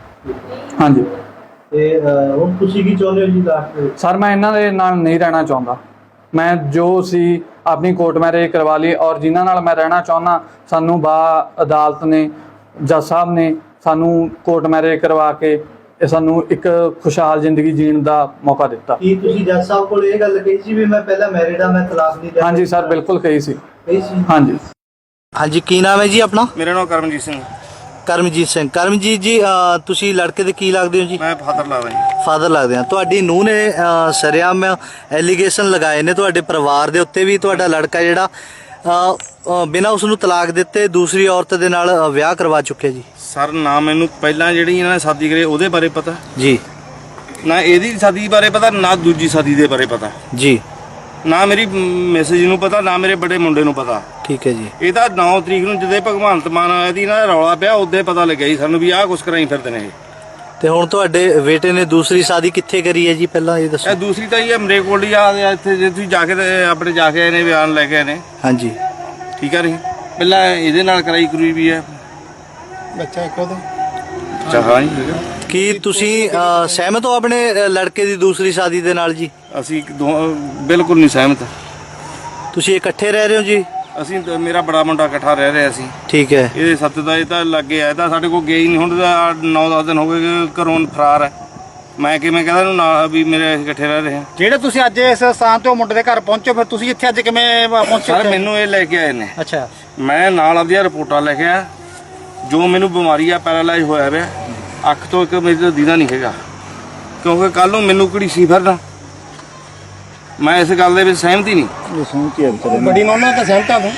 F: ਹਾਂਜੀ।
D: ਤੇ ਅਹ, ਹੁਣ ਤੁਸੀਂ ਕੀ ਚਾਹੁੰਦੇ ਹੋ ਜੀ ਲਾਸਟ ਵਿੱਚ?
F: ਸਰ ਮੈਂ ਇਹਨਾਂ ਦੇ ਨਾਲ ਨਹੀਂ ਰਹਿਣਾ ਚਾਹੁੰਦਾ। ਮੈਂ ਜੋ ਸੀ ਆਪਣੀ ਕੋਰਟ ਮੈਰਿਜ ਕਰਵਾ ਲਈ, ਔਰ ਜਿਨ੍ਹਾਂ ਨਾਲ ਮੈਂ ਰਹਿਣਾ ਚਾਹੁੰਦਾ ਸਾਨੂੰ ਬਾ ਅਦਾਲਤ ਨੇ, ਜੱਜ ਸਾਹਿਬ ਨੇ ਸਾਨੂੰ ਕੋਰਟ ਮੈਰਿਜ ਕਰਵਾ ਕੇ ਇਹ ਸਾਨੂੰ ਇੱਕ ਖੁਸ਼ਹਾਲ ਜ਼ਿੰਦਗੀ ਜੀਣ ਦਾ ਮੌਕਾ ਦਿੱਤਾ।
D: ਕੀ ਤੁਸੀਂ ਜੱਜ ਸਾਹਿਬ ਕੋਲ ਇਹ ਗੱਲ ਕਹੀ ਸੀ ਵੀ ਮੈਂ ਪਹਿਲਾਂ ਮੈਰਿਡ ਆ, ਮੈਂ ਤਲਾਕ ਨਹੀਂ ਦੇਣਾ?
F: ਹਾਂਜੀ ਸਰ ਬਿਲਕੁਲ ਕਹੀ ਸੀ।
D: ਕਹੀ ਸੀ?
F: ਹਾਂਜੀ।
D: ਹਾਂਜੀ, ਕੀ ਨਾਮ ਹੈ ਜੀ ਆਪਣਾ?
G: ਮੇਰਾ ਨਾਮ ਕਰਮਜੀਤ ਸਿੰਘ।
D: ਕਰਮਜੀਤ ਸਿੰਘ। ਕਰਮਜੀਤ ਜੀ, ਅਹ, ਤੁਸੀਂ ਲੜਕੇ ਦੇ ਕੀ ਲੱਗਦੇ ਹੋ ਜੀ?
G: ਮੈਂ ਫਾਦਰ ਲੱਗਦਾ ਜੀ।
D: ਫਾਦਰ ਲੱਗਦੇ ਆ। ਤੁਹਾਡੀ ਨੂੰਹ ਨੇ ਅਹ, ਸਰਿਆਮ ਐਲੀਗੇਸ਼ਨ ਲਗਾਏ ਨੇ ਤੁਹਾਡੇ ਪਰਿਵਾਰ ਦੇ ਉੱਤੇ ਵੀ ਤੁਹਾਡਾ ਲੜਕਾ ਜਿਹੜਾ ਅਹ, ਅਹ, ਬਿਨਾਂ ਉਸ ਨੂੰ ਤਲਾਕ ਦਿੱਤੇ ਦੂਸਰੀ ਔਰਤ ਦੇ ਨਾਲ ਅਹ, ਵਿਆਹ ਕਰਵਾ ਚੁੱਕਿਆ ਜੀ।
G: ਸਰ ਨਾ ਮੈਨੂੰ ਪਹਿਲਾਂ ਜਿਹੜੀ ਇਹਨਾਂ ਨੇ ਸ਼ਾਦੀ ਕਰੀ ਉਹਦੇ ਬਾਰੇ ਪਤਾ
D: ਜੀ,
G: ਨਾ ਇਹਦੀ ਸ਼ਾਦੀ ਬਾਰੇ ਪਤਾ, ਨਾ ਦੂਜੀ ਸ਼ਾਦੀ ਦੇ ਬਾਰੇ ਪਤਾ
D: ਜੀ।
G: ਨਾ ਮੇਰੀ ਮੈਸੇਜ ਨੂੰ ਪਤਾ, ਨਾ ਮੇਰੇ ਬੜੇ ਮੁੰਡੇ ਨੂੰ ਪਤਾ।
D: ਠੀਕ ਹੈ ਜੀ।
G: ਇਹ ਤਾਂ ਨੌ ਤਰੀਕ ਨੂੰ ਜਦੋਂ ਭਗਵੰਤ ਮਾਨ ਆਇਆ ਦੀ ਨਾ ਰੌਲਾ ਪਿਆ ਉਦੋਂ ਪਤਾ ਲੱਗਿਆ ਜੀ ਸਾਨੂੰ ਵੀ ਆਹ ਕੁਛ ਕਰਾਈ ਫਿਰਦੇ ਨੇ ਇਹ।
D: ਤੇ ਹੁਣ ਤੁਹਾਡੇ ਬੇਟੇ ਨੇ ਦੂਸਰੀ ਸ਼ਾਦੀ ਕਿੱਥੇ ਕਰੀ ਹੈ ਜੀ, ਪਹਿਲਾਂ ਇਹ ਦੱਸੋ।
G: ਇਹ ਦੂਸਰੀ ਤਾਂ ਇਹ ਅਮਰੇ ਕੋਲ ਹੀ ਆ ਇੱਥੇ ਜੇ ਤੁਸੀਂ ਜਾ ਕੇ ਤੇ ਆਪਣੇ ਜਾ ਕੇ ਆਏ ਨੇ ਬਿਆਨ ਲੈ ਕੇ ਆਏ ਨੇ।
D: ਹਾਂਜੀ।
G: ਠੀਕ ਆ ਰਹੀ ਪਹਿਲਾਂ ਇਹਦੇ ਨਾਲ ਕਰਾਈ ਕਰੂਈ ਵੀ ਹੈ
H: ਬੱਚਾ ਇੱਕ ਉਹਦਾ।
G: ਅੱਛਾ ਹਾਂ ਜੀ।
D: ਕੀ ਤੁਸੀਂ ਅਹ, ਸਹਿਮਤ ਹੋ ਆਪਣੇ ਅਹ, ਲੜਕੇ ਦੀ ਦੂਸਰੀ ਸ਼ਾਦੀ ਦੇ ਨਾਲ ਜੀ?
G: ਅਸੀਂ ਦੋ ਬਿਲਕੁਲ ਨਹੀਂ ਸਹਿਮਤ।
D: ਤੁਸੀਂ ਇਕੱਠੇ ਰਹਿ ਰਹੇ ਹੋ ਜੀ?
G: ਅਸੀਂ ਤਾਂ- ਮੇਰਾ ਬੜਾ ਮੁੰਡਾ ਇਕੱਠਾ ਰਹਿ ਰਿਹਾ ਸੀ।
D: ਠੀਕ ਹੈ।
G: ਇਹਦੇ ਸੱਤ ਦਾ ਇਹ ਤਾਂ ਲੱਗੇ ਆਇਆ ਤਾਂ ਸਾਡੇ ਕੋਲ ਗਿਆ ਹੀ ਨਹੀਂ। ਹੁਣ ਤਾਂ ਨੌ ਦਸ ਦਿਨ ਹੋ ਗਏ ਕਿ ਘਰੋਂ ਫਰਾਰ ਹੈ। ਮੈਂ ਕਿਵੇਂ ਕਹਿੰਦਾ ਇਹਨੂੰ ਨਾ ਵੀ ਮੇਰੇ ਅਸੀਂ ਇਕੱਠੇ ਰਹਿ ਰਹੇ ਹਾਂ।
H: ਜਿਹੜੇ ਤੁਸੀਂ ਅੱਜ ਇਸ ਸਥਾਨ ਤੇ ਉਹ ਮੁੰਡੇ ਦੇ ਘਰ ਪਹੁੰਚੋ, ਫਿਰ ਤੁਸੀਂ ਇੱਥੇ ਅੱਜ ਕਿਵੇਂ ਪਹੁੰਚੇ?
G: ਸਰ ਮੈਨੂੰ ਇਹ ਲੈ ਕੇ ਆਏ ਨੇ।
H: ਅੱਛਾ।
G: ਮੈਂ ਨਾਲ ਆਪਦੀਆਂ ਰਿਪੋਰਟਾਂ ਲੈ ਕੇ ਆਇਆ। ਜੋ ਮੈਨੂੰ ਬਿਮਾਰੀ ਆ, ਪੈਰਾਲਾਈਜ਼ ਹੋਇਆ ਪਿਆ, ਅੱਖ ਤੋਂ ਇੱਕ ਮੇਰੇ ਤੋਂ ਦੀਦਾ ਨਹੀਂ ਹੈਗਾ, ਕਿਉਂਕਿ ਕੱਲ ਨੂੰ ਮੈਨੂੰ ਕਿਹੜੀ ਸੀ ਫਿਰਦਾ। ਮੈਂ ਇਸ ਗੱਲ ਦੇ ਵਿੱਚ ਸਹਿਮਤ ਹੀ ਨਹੀਂ।
H: ਬੜੀ ਨੌਨਾ ਤਾਂ ਸਹਿਮਤ ਆ ਤੂੰ?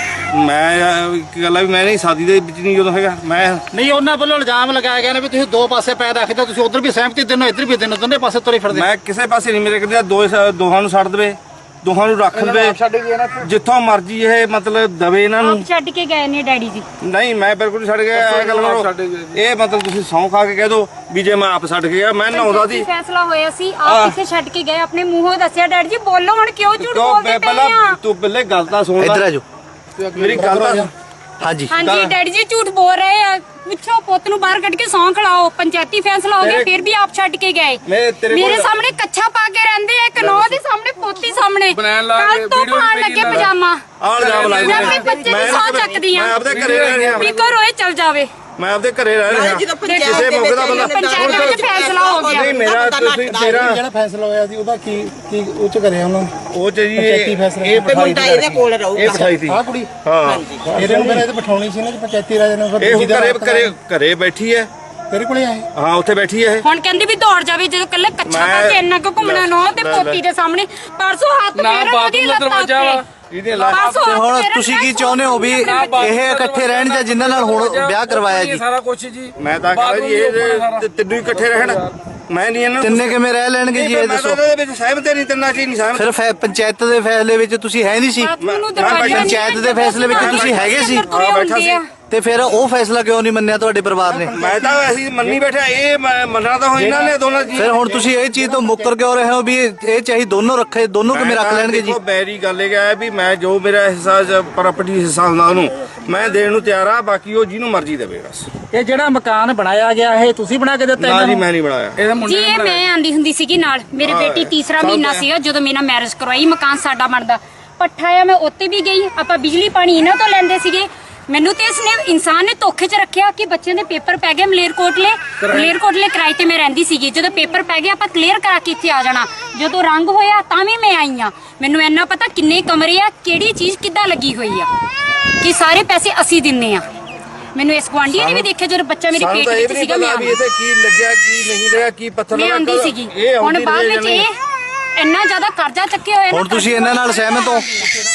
G: ਮੈਂ ਇੱਕ ਗੱਲ ਆ ਵੀ ਮੈਂ ਨਹੀਂ ਸ਼ਾਦੀ ਦੇ ਵਿੱਚ ਨਹੀਂ ਜਦੋਂ ਹੈਗਾ। ਮੈਂ
H: ਨਹੀਂ, ਉਹਨਾਂ ਵੱਲੋਂ ਇਲਜ਼ਾਮ ਲਗਾਇਆ ਗਿਆ ਨੇ ਵੀ ਤੁਸੀਂ ਦੋ ਪਾਸੇ ਪੈਰ ਰੱਖਦੇ, ਤੁਸੀਂ ਉਧਰ ਵੀ ਸਹਿਮਤੀ ਦਿਨੋ ਇੱਧਰ ਵੀ ਦਿਨੋ, ਦੋਨੇ ਪਾਸੇ ਤੁਰੇ ਫਿਰਦੇ।
G: ਮੈਂ ਕਿਸੇ ਪਾਸੇ ਨਹੀਂ, ਮੇਰੇ ਕਹਿੰਦੇ ਦੋ ਦੋਹਾਂ ਨੂੰ ਛੱਡ ਦੇਵੇ, ਦੋਹਾਂ ਨੂੰ ਰੱਖ ਲਵੇ, ਜਿੱਥੋਂ ਮਰਜ਼ੀ ਇਹ ਮਤਲਬ ਦਵੇ ਇਹਨਾਂ ਨੂੰ।
B: ਆਪ ਛੱਡ ਕੇ ਗਏ ਨੇ ਡੈਡੀ ਜੀ।
G: ਨਹੀਂ ਮੈਂ ਬਿਲਕੁਲ ਨਹੀਂ ਛੱਡ ਗਿਆ। ਇਹ ਗੱਲ ਕਰੋ, ਇਹ ਮਤਲਬ ਤੁਸੀਂ ਸਹੁੰ ਖਾ ਕੇ ਕਹਿ ਦੋ ਵੀ ਜੇ ਮੈਂ ਆਪ ਛੱਡ ਕੇ ਗਿਆ। ਮੈਂ ਨਹਾਉਂਦਾ ਸੀ।
B: ਫੈਸਲਾ ਹੋਇਆ ਸੀ, ਆਪ ਕਿੱਥੇ ਛੱਡ ਕੇ ਗਏ? ਆਪਣੇ ਮੂੰਹੋਂ ਦੱਸਿਆ ਡੈਡੀ ਜੀ। ਬੋਲੋ ਹੁਣ, ਕਿਉਂ ਝੂਠ
G: ਕਿਉਂ
B: ਬੋਲਦੇ
G: ਮੈਂ
B: ਪਏ
G: ਪਹਿਲਾਂ
B: ਆ?
G: ਤੂੰ ਪਹਿਲੇ ਗੱਲ ਤਾਂ ਸੁਣ
D: ਇੱਧਰ ਆ
G: ਲੈ
D: ਜਾਓ।
G: ਮੇਰੀ ਗੱਲ ਤਾਂ ਸੁਣ।
D: ਹਾਂਜੀ।
B: ਹਾਂਜੀ ਡੈਡੀ ਜੀ ਝੂਠ ਬੋਲ ਰਹੇ ਆ। ਪੁੱਛੋ ਪੁੱਤ ਨੂੰ ਬਾਹਰ ਕੱਢ ਕੇ ਸੌਂ ਖੜਾਓ। ਪੰਚਾਇਤੀ ਫੈਸਲਾ ਹੋ ਗਿਆ, ਫਿਰ ਵੀ ਆਪ ਛੱਡ ਕੇ ਗਏ।
G: ਮੈਂ ਤੇਰੇ
B: ਮੇਰੇ
G: ਕੋਲ-
B: ਸਾਹਮਣੇ ਕੱਛਾ ਪਾ ਕੇ ਰਹਿੰਦੇ ਆ, ਇੱਕ ਨੌ ਦੇ ਸਾਹਮਣੇ, ਪੋਤੀ ਸਾਹਮਣੇ।
E: ਬਣਾਉਣ ਲਾ ਕੇ
B: ਕੱਲ ਤੋਂ
E: ਵੀਡੀਓ
B: ਪਾਣ
E: ਵੀ
B: ਲੱਗੇ
E: ਭੇਜੀ
B: ਪਜਾਮਾ।
G: ਆਹ ਇਲਜ਼ਾਮ ਲਾਏ
B: ਮੈਂ ਆਪਣੇ
G: ਨੇ।
B: ਬੱਚੇ ਦੀ ਸੌਂ ਚੱਕਦੀ ਆ।
G: ਮੈਂ ਆਪਦੇ ਘਰੇ ਰਹਿ ਰਿਹਾ।
B: ਵੀ ਘਰੋਂ ਇਹ ਚਲ ਜਾਵੇ।
G: ਮੈਂ ਆਪਦੇ ਘਰੇ ਰਹਿ ਰਿਹਾ।
A: ਜਦੋਂ ਪੰਚਾਇਤ
G: ਕਿਸੇ
A: ਦੇ
G: ਮੌਕੇ ਦਾ ਬੰਦਾ
B: ਪੰਚਾਇਤ ਦੇ ਵਿੱਚ ਫੈਸਲਾ ਹੋ ਗਿਆ।
G: ਨਹੀਂ ਮੇਰਾ ਤੁਸੀਂ ਮੇਰਾ
H: ਜਿਹੜਾ ਫੈਸਲਾ ਹੋਇਆ ਸੀ ਉਹਦਾ ਕੀ ਕੀ ਉਹ ਚ ਕਰਿਆ ਉਹਨਾਂ ਨੇ?
G: ਉਹ ਚ ਜੀ
H: ਪੰਚਾਇਤੀ
G: ਇਹ
H: ਫੈਸਲਾ।
G: ਇਹ
A: ਤੇ
G: ਬਿਠਾਈ
A: ਮੁੰਡਾ ਇਹਦੇ ਕੋਲ ਰਹੂਗਾ।
G: ਇਹ ਬਿਠਾਈ ਸੀ।
H: ਆਹ ਕੁੜੀ
G: ਹਾਂ
H: ਇਹਦੇ ਨੂੰ ਮੇਰੇ ਤੇ ਬਿਠਾਉਣੀ ਸੀ ਨਾ ਜੀ, ਪੰਚਾਇਤੀ ਰਾਜ ਨੇ।
G: ਇਹ ਹੁਣ ਘਰੇ ਘਰੇ ਘਰੇ ਬੈਠੀ ਹੈ।
H: ਤੇਰੇ ਕੋਲੇ ਆਏ?
G: ਹਾਂ ਉੱਥੇ ਬੈਠੀ ਹੈ ਇਹ।
B: ਹੁਣ ਕਹਿੰਦੀ ਵੀ ਦੌੜ ਜਾਵੇ, ਜਦੋਂ ਕੱਲੇ ਕੱਛਾ ਪਾ ਕੇ ਇੰਨਾ ਕੁ ਘੁੰਮਣਾ ਨੌ ਤੇ ਪੋਤੀ ਦੇ ਸਾਹਮਣੇ। ਪਰਸੋਂ ਹੱਥ
E: ਨਾ
B: ਫੇਰਨ
E: ਬਾਥਰੂਮ
B: ਉਹਦੀ
E: ਦਾ
B: ਲੱਤਾਂ
E: ਦਰਵਾਜ਼ਾ ਵਾ।
B: ਉੱਤੇ।
G: ਇਹਦੇ ਲਾ
B: ਪਰਸੋਂ
D: ਤੇ
B: ਹੱਥ
D: ਹੁਣ
B: ਫੇਰਨ
D: ਤੁਸੀਂ ਕੀ
B: ਮੈਂ
D: ਚਾਹੁੰਦੇ ਹੋ ਵੀ ਇਹ ਇਕੱਠੇ ਰਹਿਣ ਜਾਂ ਜਿਨ੍ਹਾਂ ਨਾਲ ਹੁਣ ਵਿਆਹ ਕਰਵਾਇਆ ਜੀ?
E: ਸਾਰਾ ਕੁਝ ਜੀ।
G: ਮੈਂ ਤਾਂ ਕਹਿੰਦਾ ਜੀ ਇਹ ਤਿੰਨੋਂ ਇਕੱਠੇ ਰਹਿਣ। ਮੈਂ ਨਹੀਂ ਇਹਨਾਂ ਨੂੰ
D: ਤਿੰਨੇ ਕਿਵੇਂ ਰਹਿ ਲੈਣਗੇ ਜੀ, ਇਹ
G: ਮੈਂ
D: ਦੱਸੋ।
G: ਤਾਂ ਇਹਦੇ ਵਿੱਚ ਸਹਿਮਤ ਨਹੀਂ, ਤਿੰਨਾਂ ਚ ਹੀ ਨਹੀਂ ਸਹਿਮਤ।
D: ਫਿਰ ਫੈ- ਪੰਚਾਇਤ ਦੇ ਫੈਸਲੇ ਵਿੱਚ ਤੁਸੀਂ ਹੈ ਨਹੀਂ ਸੀ?
B: ਬਾਥਰੂਮ ਨੂੰ
G: ਮੈਂ
B: ਦਰਵਾਜ਼ਾ ਨਹੀਂ
D: ਪੰਚਾਇਤ ਦੇ ਫੈਸਲੇ ਵਿੱਚ ਤੁਸੀਂ ਹੈਗੇ ਸੀ?
B: ਤੁਰੇ
G: ਬੈਠਾ
B: ਹੁੰਦੇ ਆ।
D: ਤੇ ਫਿਰ ਉਹ ਫੈਸਲਾ ਕਿਉਂ ਨਹੀਂ ਮੰਨਿਆ ਤੁਹਾਡੇ ਪਰਿਵਾਰ ਨੇ?
G: ਮੈਂ ਤਾਂ ਅਸੀਂ ਮੰਨੀ ਬੈਠਾ। ਇਹ ਮੈਂ ਮੰਨਣਾ ਤਾਂ ਹੋ ਇਹਨਾਂ ਨੇ ਦੋਨਾਂ ਜੀ।
D: ਫਿਰ ਹੁਣ ਤੁਸੀਂ ਇਹ ਚੀਜ਼ ਤੋਂ ਮੁੱਕਰ ਕਿਉਂ ਰਹੇ ਹੋ ਵੀ ਇਹ ਇਹ ਚਾਹੀ ਦੋਨੋਂ ਰੱਖੇ, ਦੋਨੋਂ ਕਿਵੇਂ ਰੱਖ ਲੈਣਗੇ ਜੀ?
G: ਦੇਖੋ ਮੇਰੀ ਗੱਲ ਇਹ ਹੈ ਵੀ ਮੈਂ ਜੋ ਮੇਰਾ ਹਿੱਸਾ ਪ੍ਰਾਪਰਟੀ ਹਿੱਸਾ ਹੁੰਦਾ ਉਹਨੂੰ ਮੈਂ ਦੇਣ ਨੂੰ ਤਿਆਰ ਆ। ਬਾਕੀ ਉਹ ਜਿਹਨੂੰ ਮਰਜ਼ੀ ਦੇਵੇ ਬਸ।
H: ਇਹ ਜਿਹੜਾ ਮਕਾਨ ਬਣਾਇਆ ਗਿਆ ਇਹ ਤੁਸੀਂ ਬਣਾ ਕੇ ਦਿੱਤਾ?
G: ਨਾ ਜੀ ਮੈਂ ਨਹੀਂ ਬਣਾਇਆ।
E: ਇਹਦੇ
B: ਜੀ
E: ਮੁੰਡੇ
B: ਇਹ ਮੈਂ ਆਂਦੀ ਹੁੰਦੀ ਸੀਗੀ ਨਾਲ। ਮੇਰੀ ਬੇਟੀ ਤੀਸਰਾ ਮਹੀਨਾ ਸੀਗਾ ਜਦੋਂ ਮੇਰਾ ਮੈਰਿਜ ਕਰਵਾਈ। ਮਕਾਨ ਸਾਡਾ ਬਣਦਾ ਪੱਠਾ ਆ, ਮੈਂ ਉੱਤੇ ਵੀ ਗਈ। ਆਪਾਂ ਬਿਜਲੀ ਪਾਣੀ ਇਹਨਾਂ ਤੋਂ ਲੈਂਦੇ ਸੀਗੇ। ਮੈਨੂੰ ਤੇ ਇਸਨੇ ਇਨਸਾਨ ਨੇ ਧੋਖੇ 'ਚ ਰੱਖਿਆ ਕਿ ਬੱਚਿਆਂ ਦੇ ਪੇਪਰ ਪੈ ਗਏ ਮਲੇਰਕੋਟਲੇ। ਮਲੇਰਕੋਟਲੇ ਕਿਰਾਏ ਤੇ ਮੈਂ ਰਹਿੰਦੀ ਸੀਗੀ। ਜਦੋਂ ਪੇਪਰ ਪੈ ਗਏ ਆਪਾਂ ਕਲੀਅਰ ਕਰਾ ਕੇ ਇੱਥੇ ਆ ਜਾਣਾ। ਜਦੋਂ ਰੰਗ ਹੋਇਆ ਤਾਂ ਵੀ ਮੈਂ ਆਈ ਆ। ਮੈਨੂੰ ਇੰਨਾ ਪਤਾ ਕਿੰਨੇ ਕਮਰੇ ਆ, ਕਿਹੜੀ ਚੀਜ਼ ਕਿੱਦਾਂ ਲੱਗੀ ਹੋਈ ਆ, ਕਿ ਸਾਰੇ ਪੈਸੇ ਅਸੀਂ ਦਿੰਨੇ ਆ। ਮੈਨੂੰ ਇਸ ਗੁਆਂਢੀ ਨੇ ਵੀ ਦੇਖਿਆ ਜਦੋਂ ਬੱਚਾ ਮੇਰੇ
G: ਸਾਨੂੰ
B: ਪੇਟ
G: ਤਾਂ ਇਹ
B: ਵਿੱਚ
G: ਵੀ ਨਹੀਂ
B: ਸੀਗਾ। ਮੈਂ
G: ਪਤਾ ਵੀ ਇੱਥੇ ਕੀ ਲੱਗਿਆ ਕੀ ਨਹੀਂ ਲੱਗਿਆ, ਕੀ ਪੱਥਰ
B: ਮੈਂ
G: ਲੱਗਾ।
B: ਆਂਦੀ ਸੀਗੀ।
G: ਇਹ
B: ਹੁਣ
G: ਆਉਂਦੀ
B: ਬਾਅਦ
G: ਰਹੇ
B: ਵਿੱਚ
G: ਜਾਣੇ।
B: ਇਹ ਇੰਨਾ ਜ਼ਿਆਦਾ ਕਰਜ਼ਾ ਚੱਕਿਆ ਹੋਇਆ ਨਾ।
D: ਹੁਣ ਤੁਸੀਂ ਇਹਨਾਂ ਨਾਲ ਸਹਿਮਤ ਹੋ?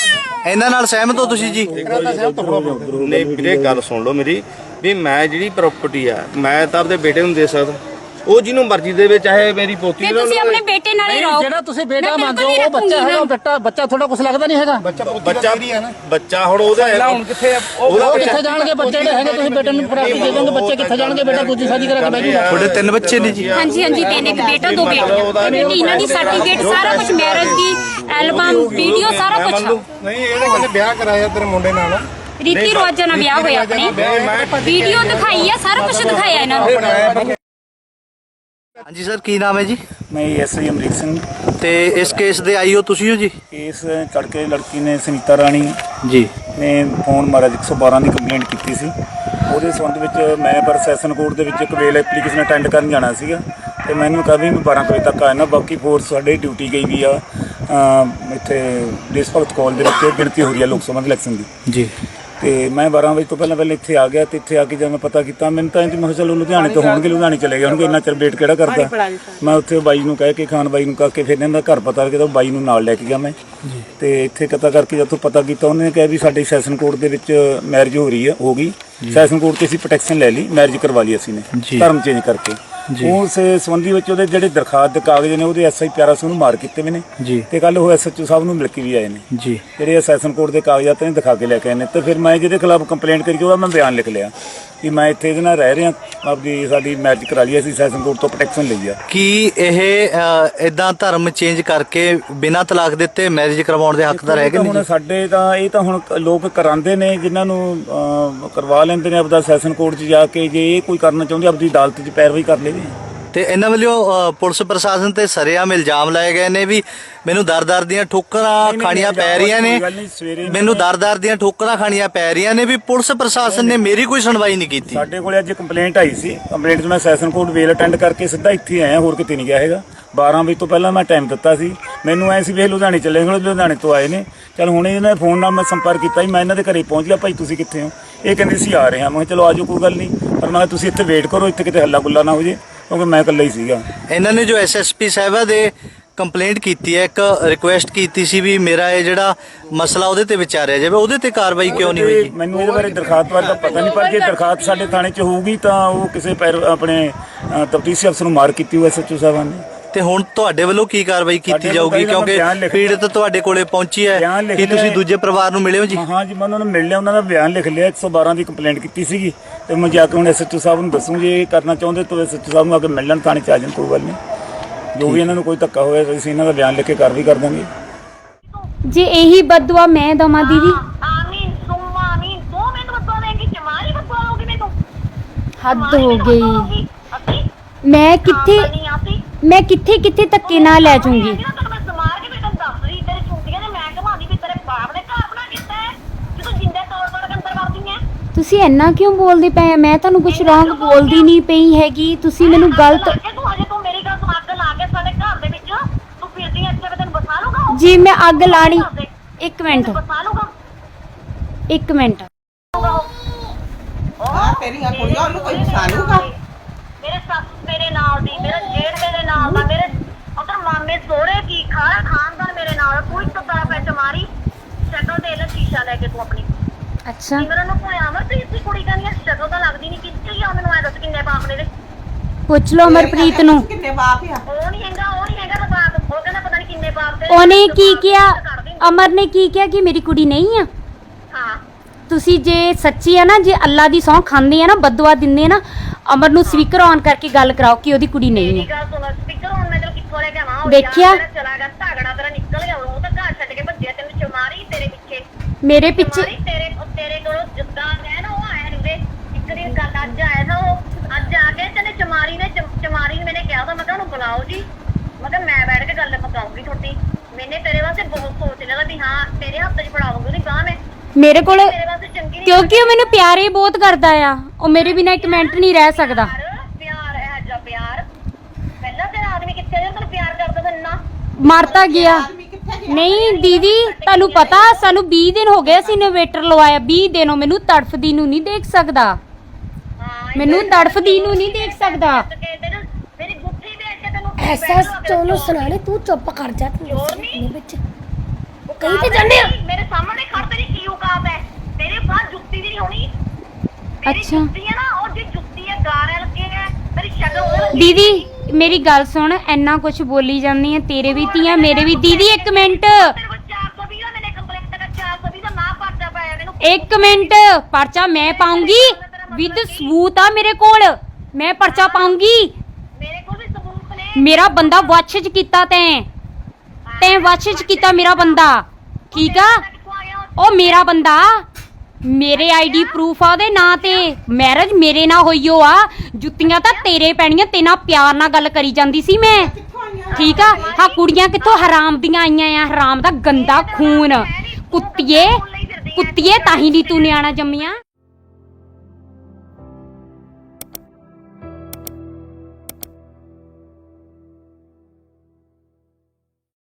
D: ਇਹਨਾਂ ਨਾਲ ਸਹਿਮਤ ਹੋ ਤੁਸੀਂ ਜੀ?
G: ਨਹੀਂ ਵੀਰੇ ਗੱਲ ਸੁਣ ਲਓ ਮੇਰੀ, ਵੀ ਮੈਂ ਜਿਹੜੀ ਪ੍ਰਾਪਰਟੀ ਆ ਮੈਂ ਤਾਂ ਆਪਦੇ ਬੇਟੇ ਨੂੰ ਦੇ ਸਕਦਾ। ਉਹ ਜਿਹਨੂੰ ਮਰਜ਼ੀ ਦੇਵੇ, ਚਾਹੇ ਮੇਰੀ ਪੋਤੀ
B: ਤੇ
G: ਦੇ
B: ਤੁਸੀਂ ਆਪਣੇ ਬੇਟੇ ਨਾਲ ਹੀ ਰਹੋ।
H: ਜਿਹੜਾ ਤੁਸੀਂ ਬੇਟਾ
B: ਮੈਂ
H: ਮੰਨਦੇ
B: ਬਿਲਕੁਲ
H: ਹੋ ਉਹ ਬੱਚਾ
B: ਨਹੀਂ
H: ਹੈਗਾ, ਬੱਚਾ ਬੱਚਾ ਤੁਹਾਡਾ ਕੁਝ ਲੱਗਦਾ ਨਹੀਂ ਹੈਗਾ।
G: ਬੱਚਾ ਬੱਚਾ ਹੁਣ ਉਹਦਾ
E: ਪਹਿਲਾਂ ਹੁਣ ਕਿੱਥੇ ਆ? ਉਹ
H: ਉਹ ਕਿੱਥੇ ਜਾਣਗੇ ਬੱਚੇ ਜਿਹੜੇ ਹੈਗੇ, ਤੁਸੀਂ ਬੇਟੇ ਨੂੰ ਪ੍ਰਾਪਤੀ ਦੇ ਦੋਗੇ, ਬੱਚੇ ਕਿੱਥੇ ਜਾਣਗੇ? ਬੇਟਾ ਦੂਜੀ ਸ਼ਾਦੀ ਕਰਾ ਕੇ ਬਹਿ ਜੂਗਾ।
D: ਤੁਹਾਡੇ ਤਿੰਨ ਬੱਚੇ ਨੇ ਜੀ?
B: ਹਾਂਜੀ ਹਾਂਜੀ, ਤਿੰਨ, ਇੱਕ ਬੇਟਾ ਦੋ ਬੇਟੀਆਂ। ਇਹ ਬੇਟੀ ਇਹਨਾਂ ਦੀ ਸਰਟੀਫਿਕੇਟ ਸਾਰਾ ਕੁਝ, ਮੈਰਿਜ ਦੀ ਐਲਬਮ, ਵੀਡੀਓ ਸਾਰਾ ਕੁਝ।
G: ਨਹੀਂ ਇਹਨੇ ਕਹਿੰਦੇ ਵਿਆਹ ਕਰਾਇਆ ਤੇਰੇ ਮੁੰਡੇ ਨਾਲ,
B: ਰੀਤੀ ਰਿਵਾਜਾਂ ਨਾਲ ਵਿਆਹ ਹੋਇਆ ਆਪਣੇ, ਵੀਡੀਓ ਦਿਖਾਈ ਆ, ਸਾਰਾ ਕੁਝ ਦਿਖਾਇਆ ਇਹਨਾਂ ਨੂੰ।
D: ਹਾਂਜੀ ਸਰ, ਕੀ ਨਾਮ ਹੈ ਜੀ?
I: ਮੈਂ ਐਸ ਆਈ ਅਮਰੀਕ ਸਿੰਘ।
D: ਤੇ ਇਸ ਕੇਸ ਦੇ ਆਈ ਹੋ ਤੁਸੀਂ ਹੋ ਜੀ?
I: ਇਸ ਕਰਕੇ ਲੜਕੀ ਨੇ ਸੁਨੀਤਾ ਰਾਣੀ
D: ਜੀ
I: ਨੇ ਫੋਨ ਮਾਰਿਆ, ਇੱਕ ਸੌ ਬਾਰਾਂ ਦੀ ਕੰਪਲੇਂਟ ਕੀਤੀ ਸੀ। ਉਹਦੇ ਸੰਬੰਧ ਵਿੱਚ ਮੈਂ ਪਰ ਸੈਸ਼ਨ ਕੋਰਟ ਦੇ ਵਿੱਚ ਇੱਕ ਵੇਲ ਐਪਲੀਕੇਸ਼ਨ ਅਟੈਂਡ ਕਰਨ ਜਾਣਾ ਸੀਗਾ, ਤੇ ਮੈਨੂੰ ਕਿਹਾ ਵੀ ਮੈਂ ਬਾਰਾਂ ਵਜੇ ਤੱਕ ਆਇਆ ਨਾ। ਬਾਕੀ ਫੋਰਸ ਸਾਡੇ ਡਿਊਟੀ ਗਈ ਵੀ ਆ ਇੱਥੇ ਦੇਸ਼ ਭਗਤ ਕਾਲਜ ਦੇ ਵਿੱਚ ਗਿਣਤੀ ਹੋ ਰਹੀ ਹੈ ਲੋਕ ਸਭਾ ਦੇ ਇਲੈਕਸ਼ਨ ਦੀ
D: ਜੀ।
I: ਤੇ ਮੈਂ ਬਾਰਾਂ ਵਜੇ ਤੋਂ ਪਹਿਲਾਂ ਪਹਿਲਾਂ ਇੱਥੇ ਆ ਗਿਆ, ਤੇ ਇੱਥੇ ਆ ਕੇ ਜਦ ਮੈਂ ਪਤਾ ਕੀਤਾ, ਮੈਨੂੰ ਤਾਂ ਇੰਜ ਮੈਂ ਕਿਹਾ ਚਲੋ ਲੁਧਿਆਣੇ ਤੋਂ ਹੋਣਗੇ, ਲੁਧਿਆਣੇ ਚਲੇ ਗਏ ਹੋਣਗੇ, ਇੰਨਾ ਚਿਰ ਵੇਟ ਕਿਹੜਾ ਕਰਦਾ। ਮੈਂ ਉੱਥੇ ਬਾਈ ਨੂੰ ਕਹਿ ਕੇ, ਖਾਨ ਬਾਈ ਨੂੰ ਕਹਿ ਕੇ, ਫਿਰ ਇਹਨਾਂ ਦਾ ਘਰ ਪਤਾ ਲੱਗਿਆ ਤਾਂ ਬਾਈ ਨੂੰ ਨਾਲ ਲੈ ਕੇ ਗਿਆ ਮੈਂ। ਤੇ ਇੱਥੇ ਪਤਾ ਕਰਕੇ ਜਦੋਂ ਪਤਾ ਕੀਤਾ, ਉਹਨੇ ਕਿਹਾ ਵੀ ਸਾਡੇ ਸੈਸ਼ਨ ਕੋਰਟ ਦੇ ਵਿੱਚ ਮੈਰਿਜ ਹੋ ਰਹੀ ਹੈ, ਹੋ ਗਈ ਸੈਸ਼ਨ ਕੋਰਟ ਤੇ ਅਸੀਂ ਪ੍ਰੋਟੈਕਸ਼ਨ ਲੈ ਲਈ, ਮੈਰਿਜ ਕਰਵਾ ਲਈ ਅਸੀਂ ਨੇ ਧਰਮ ਚੇਂਜ ਕਰਕੇ। ਉਸ ਸੰਬੰਧੀ ਵਿੱਚ ਉਹਦੇ ਜਿਹੜੇ ਦਰਖਾਸਤ ਦੇ ਕਾਗਜ਼ ਨੇ ਉਹਦੇ ਐਸ ਆਈ ਪਿਆਰਾ ਸਿੰਘ ਨੂੰ ਮਾਰ ਕੀਤੇ ਵੀ ਨੇ, ਤੇ ਕੱਲ ਉਹ ਐਸ ਐਚ ਓ ਸਾਹਿਬ ਨੂੰ ਮਿਲ ਕੇ ਵੀ ਆਏ ਨੇ ਜੀ, ਜਿਹੜੇ ਸੈਸ਼ਨ ਕੋਰਟ ਦੇ ਕਾਗਜ਼ਾਤ ਨੇ ਦਿਖਾ ਕੇ ਲੈ ਕੇ ਆਏ ਨੇ। ਤੇ ਫਿਰ ਮੈਂ ਜਿਹਦੇ ਖਿਲਾਫ ਕੰਪਲੇਂਟ ਕਰੀ, ਉਹਦਾ ਮੈਂ ਬਿਆਨ ਲਿਖ ਲਿਆ ਕਿ ਮੈਂ ਇੱਥੇ ਇਹਦੇ ਨਾਲ ਰਹਿ ਰਿਹਾ, ਆਪਦੀ ਸਾਡੀ ਮੈਰਿਜ ਕਰਾ ਲਈ, ਅਸੀਂ ਸੈਸ਼ਨ ਕੋਰਟ ਤੋਂ ਪ੍ਰੋਟੈਕਸ਼ਨ ਲਈ ਆ।
D: ਕੀ ਇਹ ਇਦਾਂ ਧਰਮ ਚੇਂਜ ਕਰਕੇ ਬਿਨਾਂ ਤਲਾਕ ਦਿੱਤੇ ਮੈਰਿਜ ਕਰਵਾਉਣ ਦੇ ਹੱਕਦਾਰ ਹੈਗੇ ਨੇ?
I: ਹੁਣ ਸਾਡੇ ਤਾਂ ਇਹ ਤਾਂ ਹੁਣ ਲੋਕ ਕਰਾਉਂਦੇ ਨੇ, ਜਿਨ੍ਹਾਂ ਨੂੰ ਅਹ, ਕਰਵਾ ਲੈਂਦੇ ਨੇ ਆਪਦਾ ਸੈਸ਼ਨ ਕੋਰਟ 'ਚ ਜਾ ਕੇ। ਜੇ ਇਹ ਕੋਈ ਕਰਨਾ ਚਾਹੁੰਦੇ ਆਪਦੀ ਅਦਾਲਤ 'ਚ ਪੈਰਵਾਈ ਕਰ ਲਵੇ।
D: ਤੇ ਇਹਨਾਂ ਵੱਲੋਂ ਪੁਲਿਸ ਪ੍ਰਸ਼ਾਸਨ ਤੇ ਸਰੇਆਮ ਇਲਜ਼ਾਮ ਲਾਏ ਗਏ ਨੇ ਵੀ ਮੈਨੂੰ ਦਰ-ਦਰ ਦੀਆਂ ਠੋਕਰਾਂ ਖਾਣੀਆਂ ਪੈ ਰਹੀਆਂ ਨੇ, ਮੈਨੂੰ ਦਰ-ਦਰ ਦੀਆਂ ਠੋਕਰਾਂ ਖਾਣੀਆਂ ਪੈ ਰਹੀਆਂ ਨੇ, ਵੀ ਪੁਲਿਸ ਪ੍ਰਸ਼ਾਸਨ ਨੇ ਮੇਰੀ ਕੋਈ ਸੁਣਵਾਈ ਨਹੀਂ ਕੀਤੀ।
I: ਸਾਡੇ ਕੋਲੇ ਅੱਜ ਕੰਪਲੇਂਟ ਆਈ ਸੀ, ਕੰਪਲੇਂਟ 'ਚ ਮੈਂ ਸੈਸ਼ਨ ਕੋਰਟ ਵੇਲ ਅਟੈਂਡ ਕਰਕੇ ਸਿੱਧਾ ਇੱਥੇ ਆਇਆ, ਹੋਰ ਕਿਤੇ ਨਹੀਂ ਗਿਆ ਹੈਗਾ। ਬਾਰਾਂ ਵਜੇ ਤੋਂ ਪਹਿਲਾਂ ਮੈਂ ਟਾਈਮ ਦਿੱਤਾ ਸੀ, ਮੈਨੂੰ ਐ ਸੀ ਵੀ ਲੁਧਿਆਣੇ ਚੱਲੇ, ਹੁਣ ਲੁਧਿਆਣੇ ਤੋਂ ਆਏ ਨੇ। ਚਲ ਹੁਣ ਇਹਨਾਂ ਫੋਨ ਨਾਲ ਮੈਂ ਸੰਪਰਕ ਕੀਤਾ, ਮੈਂ ਇਹਨਾਂ ਦੇ ਘਰੇ ਪਹੁੰਚ ਗਿਆ, ਭਾਈ ਤੁਸੀਂ ਕਿੱਥੇ ਹੋ? ਇਹ ਕਹਿੰਦੇ ਸੀ ਆ ਰਹੇ ਹਾਂ। ਮੈਂ ਕਿਹਾ ਚਲੋ ਆਜੋ, ਕੋਈ ਗੱਲ ਨਹੀਂ, ਪਰ ਮੈਂ ਕਿਹਾ ਤੁਸੀਂ ਇੱਥੇ ਵੇਟ ਕਰੋ, ਇੱਥੇ ਕਿਤੇ ਹੱਲਾ ਗੁੱਲਾ ਨਾ ਹੋ ਜੇ, ਕਿਉਂਕਿ ਮੈਂ ਇਕੱਲਾ ਹੀ ਸੀਗਾ।
D: ਇਹਨਾਂ ਨੇ ਜੋ ਐਸ ਐਸ ਪੀ ਸਾਹਿਬਾ ਦੇ ਕੰਪਲੇਂਟ ਕੀਤੀ ਹੈ, ਇੱਕ ਰਿਕੁਐਸਟ ਕੀਤੀ ਸੀ ਵੀ ਮੇਰਾ ਇਹ ਜਿਹੜਾ ਮਸਲਾ ਉਹਦੇ ਤੇ ਵਿਚਾਰਿਆ ਜਾਵੇ, ਉਹਦੇ ਤੇ ਕਾਰਵਾਈ ਕਿਉਂ ਨਹੀਂ ਹੋਈ ਜੀ?
I: ਮੈਨੂੰ ਇਹਦੇ ਬਾਰੇ ਦਰਖਾਸਤ ਬਾਰੇ ਤਾਂ ਪਤਾ ਨਹੀਂ, ਪਰ ਜੇ ਦਰਖਾਸਤ ਸਾਡੇ ਥਾਣੇ 'ਚ ਹੋਊਗੀ ਤਾਂ ਉਹ ਕਿਸੇ ਪੈਰ ਆਪਣੇ ਤਫਤੀਸ਼ੀ ਅਫਸਰ ਨੂੰ ਮਾਰ ਕੀਤੀ ਹੋਈ ਐਸ ਐਚ ਓ ਸਾਹਿਬਾਨ ਨੇ।
D: ਤੇ ਹੁਣ ਤੁਹਾਡੇ ਵੱਲੋਂ ਕੀ ਕਾਰਵਾਈ ਕੀਤੀ ਜਾਊਗੀ, ਕਿਉਂਕਿ ਪੀੜਤ ਤੁਹਾਡੇ ਕੋਲੇ ਪਹੁੰਚੀ ਹੈ, ਕੀ ਤੁਸੀਂ ਦੂਜੇ ਪਰਿਵਾਰ ਨੂੰ ਮਿਲੇ ਹੋ ਜੀ?
I: ਹਾਂ ਜੀ, ਮੈਂ ਉਹਨਾਂ ਨੂੰ ਮਿਲ ਲਿਆ, ਉਹਨਾਂ ਦਾ ਬਿਆਨ ਲਿਖ ਲਿਆ, ਇੱਕ ਸੌ ਬਾਰਾਂ ਦੀ ਕੰਪਲੇਂਟ ਕੀਤੀ ਸੀਗੀ, ਤੇ ਮੈਂ ਜਾ ਕੇ ਹੁਣ ਐਸ ਐਚ ਓ ਸਾਹਿਬ ਨੂੰ ਦੱਸੂ, ਜੇ ਇਹ ਕਰਨਾ ਚਾਹੁੰਦੇ ਤਾਂ ਐਸ ਐਚ ਓ ਸਾਹਿਬ ਨੂੰ ਆ ਕੇ ਮਿਲ ਲੈਣ, ਥਾਣੇ 'ਚ ਆ ਜਾਣ, ਕੋਈ ਗੱਲ ਨਹੀਂ। ਜੋ ਵੀ ਇਹਨਾਂ ਨੂੰ ਕੋਈ ਧੱਕਾ ਹੋਇਆ ਅਸੀਂ ਇਹਨਾਂ ਦਾ ਬਿਆਨ ਲਿਖ ਕੇ ਕਾਰਵਾਈ ਕਰ ਦਾਂਗੇ।
B: ਜੇ ਇਹੀ ਬਦਦੁਆ ਮੈਂ ਦਵਾਂ ਦੀਦੀ,
C: ਆਮੀਨ ਸੁਮਾ ਆਮੀਨ, ਤੂੰ ਮੈਨੂੰ ਬਦਵਾ ਦੇਂਗੀ, ਚਮਾਰੀ ਬਦਵਾ ਲੋਗੀ ਮੈਨੂੰ,
B: ਹੱਦ ਹੋ ਗਈ।
C: ਅਸੀਂ
B: ਮੈਂ ਕਿੱਥੇ
C: ਨਹੀਂ ਆਤੀ,
B: ਮੈਂ ਕਿੱਥੇ ਕਿੱਥੇ ਧੱਕੇ ਨਾਲ ਲੈ ਜਾਊਂਗੀ।
C: ਮੈਂ ਸਮਾਰ ਕੇ ਬੇਟਾ ਦੱਸ ਰਹੀ, ਤੇਰੇ ਚੁੰਡੀਆਂ ਨੇ ਮੈਂ ਘਮਾਦੀ ਵੀ ਤੇਰੇ ਬਾਪ ਨੇ ਘਰ ਬਣਾ ਕੀਤਾ ਹੈ, ਕਿ ਤੂੰ ਜਿੰਦੇ ਤੌੜ ਤੌੜ ਕੇ ਅੰਦਰ ਵੜਦੀ ਹੈ।
B: ਤੁਸੀਂ ਇੰਨਾ ਕਿਉਂ ਬੋਲਦੇ ਪਏ? ਮੈਂ ਤੁਹਾਨੂੰ ਕੁਝ ਰੌਂਗ ਬੋਲਦੀ ਨਹੀਂ ਪਈ ਹੈਗੀ, ਤੁਸੀਂ ਮੈਨੂੰ ਗਲਤ।
C: ਤੂੰ ਹਜੇ ਤੂੰ ਮੇਰੀ ਗੱਲ ਸੁਣ, ਅੱਗ ਲਾ ਕੇ ਸਾਡੇ ਘਰ ਦੇ ਵਿੱਚ ਤੂੰ ਫਿਰਦੀ ਐ, ਇੱਥੇ ਤੈਨੂੰ ਬਸਾ ਲੂਗਾ ਉਹ?
B: ਜੀ ਮੈਂ ਅੱਗ ਲਾਣੀ, ਇੱਕ ਮਿੰਟ
C: ਬਸਾ ਲੂਗਾ
B: ਇੱਕ ਮਿੰਟ।
A: ਹਾਂ ਤੇਰੀਆਂ ਕੁੜੀਆਂ ਉਹਨੂੰ ਕੋਈ ਬਸਾ ਲੂਗਾ?
C: ਮੇਰੇ ਸੱਸ ਮੇਰੇ ਨਾਲ ਦੀ, ਮੇਰਾ ਜੇਠ ਮੇਰੇ ਨਾਲ ਦਾ, ਮੇਰੇ ਉਧਰ ਮਾਮੇ ਸੋਹਰੇ ਕੀ ਖਾਰਾ ਖਾਨਦਾਨ ਮੇਰੇ ਨਾਲ, ਕੋਈ ਤੱਤਾ ਪੈ ਚਮਾਰੀ ਸ਼ਕਲ ਦੇ ਲੈ ਸ਼ੀਸ਼ਾ ਲੈ ਕੇ ਤੂੰ ਆਪਣੀ।
B: ਅੱਛਾ
C: ਸਿਮਰਨ ਨੂੰ ਕੋਈ ਅਮਰਪ੍ਰੀਤ ਦੀ ਕੁੜੀ ਕਹਿੰਦੀ ਆ, ਸ਼ਕਲ ਤਾਂ ਲੱਗਦੀ ਨਹੀਂ, ਕਿੱਥੇ ਆ? ਮੈਨੂੰ ਐ ਦੱਸ ਕਿੰਨੇ ਬਾਪ ਨੇ ਦੇ?
B: ਪੁੱਛ ਲਓ ਅਮਰਪ੍ਰੀਤ ਨੂੰ।
A: ਕਿੰਨੇ ਬਾਪ ਆ?
C: ਉਹ ਨਹੀਂ ਹੈਗਾ, ਉਹ ਨਹੀਂ ਹੈਗਾ ਬਾਪ, ਉਹ ਕਹਿੰਦਾ ਪਤਾ ਨਹੀਂ ਕਿੰਨੇ ਬਾਪ ਦੇ।
B: ਉਹਨੇ ਕੀ ਕਿਹਾ? ਅਮਰ ਨੇ ਕੀ ਕਿਹਾ ਕਿ ਮੇਰੀ ਕੁੜੀ ਨਹੀਂ ਆ?
C: ਹਾਂ
B: ਤੁਸੀਂ ਜੇ ਸੱਚੀ ਆ ਨਾ, ਜੇ ਅੱਲਾ ਦੀ ਸਹੁੰ ਖਾਂਦੇ ਆ ਨਾ, ਬਦਦੁਆ ਦਿੰਦੇ ਆ ਨਾ, ਅਮਰ ਨੂੰ ਸਪੀਕਰ ਔਨ ਕਰਕੇ ਗੱਲ ਕਰਾਓ ਕਿ ਉਹਦੀ ਕੁੜੀ ਨਹੀਂ
C: ਮੇਰੀ
B: ਹੈ।
C: ਗੱਲ ਸੁਣ, ਸਪੀਕਰ ਹੁਣ ਮੈਂ ਤੈਨੂੰ ਕਿੱਥੋਂ ਲੈ ਕੇ ਆਵਾਂ? ਉਹ
B: ਦੇਖਿਆ?
C: ਯਾਰ ਤੇਰਾ ਚਲਾ ਗਿਆ ਝਗੜਾ, ਤੇਰਾ ਨਿਕਲ ਗਿਆ, ਉਹ ਤਾਂ ਘਰ ਛੱਡ ਕੇ ਭੱਜਿਆ, ਤੈਨੂੰ ਚਮਾਰੀ ਤੇਰੇ ਪਿੱਛੇ
B: ਮੇਰੇ ਪਿੱਛੇ
C: ਚਮਾਰੀ ਤੇਰੇ ਤੇਰੇ ਕੋਲੋਂ ਜਿੱਦਾਂ ਹੈ ਨਾ, ਉਹ ਆਇਆ ਨੀ। ਇੱਕ ਦੀ ਗੱਲ ਅੱਜ ਆਇਆ था, ਉਹ ਅੱਜ ਆ ਕੇ ਤੈਨੂੰ ਚਮਾਰੀ ਨੇ ਚਮ- ਚਮਾਰੀ ਨੇ ਮੈਨੇ ਕਿਹਾ था, ਮੈਂ ਕਿਹਾ ਉਹਨੂੰ ਬੁਲਾਓ ਜੀ, ਮੈਂ ਕਿਹਾ ਮੈਂ ਬੈਠ ਕੇ ਗੱਲ ਪਕਾਉਂਗੀ ਤੁਹਾਡੀ। ਮੈਨੇ ਤੇਰੇ ਵਾਸਤੇ ਬਹੁਤ ਸੋਚ ਲਿਆ ਵੀ ਹਾਂ ਤੇਰੇ ਹੱਥ 'ਚ ਫੜਾਉਂਗੀ ਉਹਦੀ ਬਾਂਹ ਮੈਂ,
B: ਮੇਰੇ ਕੋਲ,
C: ਤੇਰੇ ਵਾਸਤੇ ਚੰਗੀ ਨਹੀਂ।
B: ਕਿਉਂਕਿ ਉਹ ਮੈਨੂੰ ਪਿਆਰ ਹੀ ਬਹੁਤ ਕਰਦਾ ਆ, ਉਹ ਮੇਰੇ ਬਿਨਾਂ ਇੱਕ ਮਿੰਟ ਨਹੀਂ ਰਹਿ ਸਕਦਾ।
C: ਪਿਆਰ ਹੈ ਜਾ ਪਿਆਰ, ਪਹਿਲਾਂ ਤੇਰਾ ਆਦਮੀ ਕਿੱਥੇ ਜਿਹੜਾ ਤੈਨੂੰ ਪਿਆਰ ਕਰਦਾ ਤੈਨੂੰ ਨਾ
B: ਮਰਤਾ ਗਿਆ। ਨਹੀਂ ਦੀਦੀ, ਤੁਹਾਨੂੰ ਪਤਾ ਸਾਨੂੰ ਵੀਹ ਦਿਨ ਹੋ ਗਏ, ਅਸੀਂ ਇਨਵੇਟਰ ਲਵਾਇਆ, ਵੀਹ ਦਿਨੋਂ ਮੈਨੂੰ ਤੜਫਦੀ ਨੂੰ ਨਹੀਂ ਦੇਖ ਸਕਦਾ, ਮੈਨੂੰ ਤੜਫਦੀ ਨੂੰ ਨਹੀਂ ਦੇਖ ਸਕਦਾ।
C: ਮੇਰੀ ਗੁੱਠੀ ਵੇਚ ਕੇ ਤੈਨੂੰ
J: ਐਸਾ ਚੋਲੋ ਸੁਣਾਣੇ, ਤੂੰ ਚੁੱਪ ਕਰ ਜਾ। ਤੂੰ
C: ਚੋਰ ਨਹੀਂ
J: ਵਿੱਚ ਕਹੀ ਤੇ ਜਾਂਦੇ ਆ।
C: ਮੇਰੇ ਸਾਹਮਣੇ ਖੜ, ਤੇਰੀ ਕੀ ਔਕਾਤ ਹੈ? ਤੇਰੇ ਬਾਹਰ ਜੁੱਤੀ ਵੀ ਨਹੀਂ ਹੋਣੀ। ਮੇਰੀ
B: ਅੱਛਾ।
C: ਜੁੱਤੀ ਹੈ ਨਾ, ਉਹ ਜੀ ਜੁੱਤੀ ਹੈ, ਗਾਰੇ ਲੱਗੇ ਹੈ, ਤੇਰੀ ਸ਼ਕਲ ਉਹ
B: ਦੀਦੀ ਮੇਰੀ ਗੱਲ ਸੁਣ, ਇੰਨਾ ਕੁਝ ਬੋਲੀ ਜਾਂਦੀ ਹੈ, ਤੇਰੇ ਵੀ ਧੀਆਂ ਮੇਰੇ ਵੀ। ਦੀਦੀ ਇੱਕ ਮਿੰਟ
C: ਤੇਰੇ ਕੋਲ ਚਾਰ ਸੌ ਵੀਹ ਦਾ ਮੈਨੇ ਕੰਪਲੇਂਟ ਕਰ ਚਾਰ ਸੌ ਵੀਹ ਦਾ ਨਾ ਪਰਚਾ ਪਾਇਆ ਮੈਨੂੰ।
B: ਇੱਕ ਮਿੰਟ, ਪਰਚਾ ਮੈਂ ਪਾਉਂਗੀ ਵਿਦ ਸਬੂਤ ਆ ਮੇਰੇ ਕੋਲ, ਮੈਂ ਪਰਚਾ ਪਾਉਂਗੀ।
C: ਮੇਰੇ ਕੋਲ ਵੀ ਸਬੂਤ ਨੇ।
B: ਮੇਰਾ ਬੰਦਾ ਵਾਚ ਚ ਕੀਤਾ ਤੈਂ ਤੈਂ ਵਾਚ ਚ ਕੀਤਾ ਮੇਰਾ ਬੰਦਾ, ਠੀਕ ਆ?
C: ਕਿੱਥੋਂ ਆ ਗਿਆ ਉਹ?
B: ਉਹ ਮੇਰਾ ਬੰਦਾ, ਮੇਰੇ ਆਈਡੀ ਪ੍ਰੂਫ ਆ ਉਹਦੇ ਨਾਂ ਤੇ, ਮੈਰਿਜ ਮੇਰੇ ਨਾਲ ਹੋਈ ਓ ਆ। ਜੁੱਤੀਆਂ ਤਾਂ ਤੇਰੇ ਪੈਣੀਆਂ, ਤੇ ਨਾਲ ਪਿਆਰ ਨਾਲ ਗੱਲ ਕਰੀ ਜਾਂਦੀ ਸੀ ਮੈਂ, ਠੀਕ ਆ? ਹਾਂ ਕੁੜੀਆਂ ਕਿੱਥੋਂ ਹਰਾਮ ਦੀਆਂ ਆਈਆਂ ਆ, ਹਰਾਮ ਦਾ ਗੰਦਾ ਖੂਨ। ਕੁੱਤੀਏ ਕੁੱਤੀਏ, ਤਾਂ ਹੀ ਨਹੀਂ ਤੂੰ ਨਿਆਣਾ ਜੰਮਿਆ।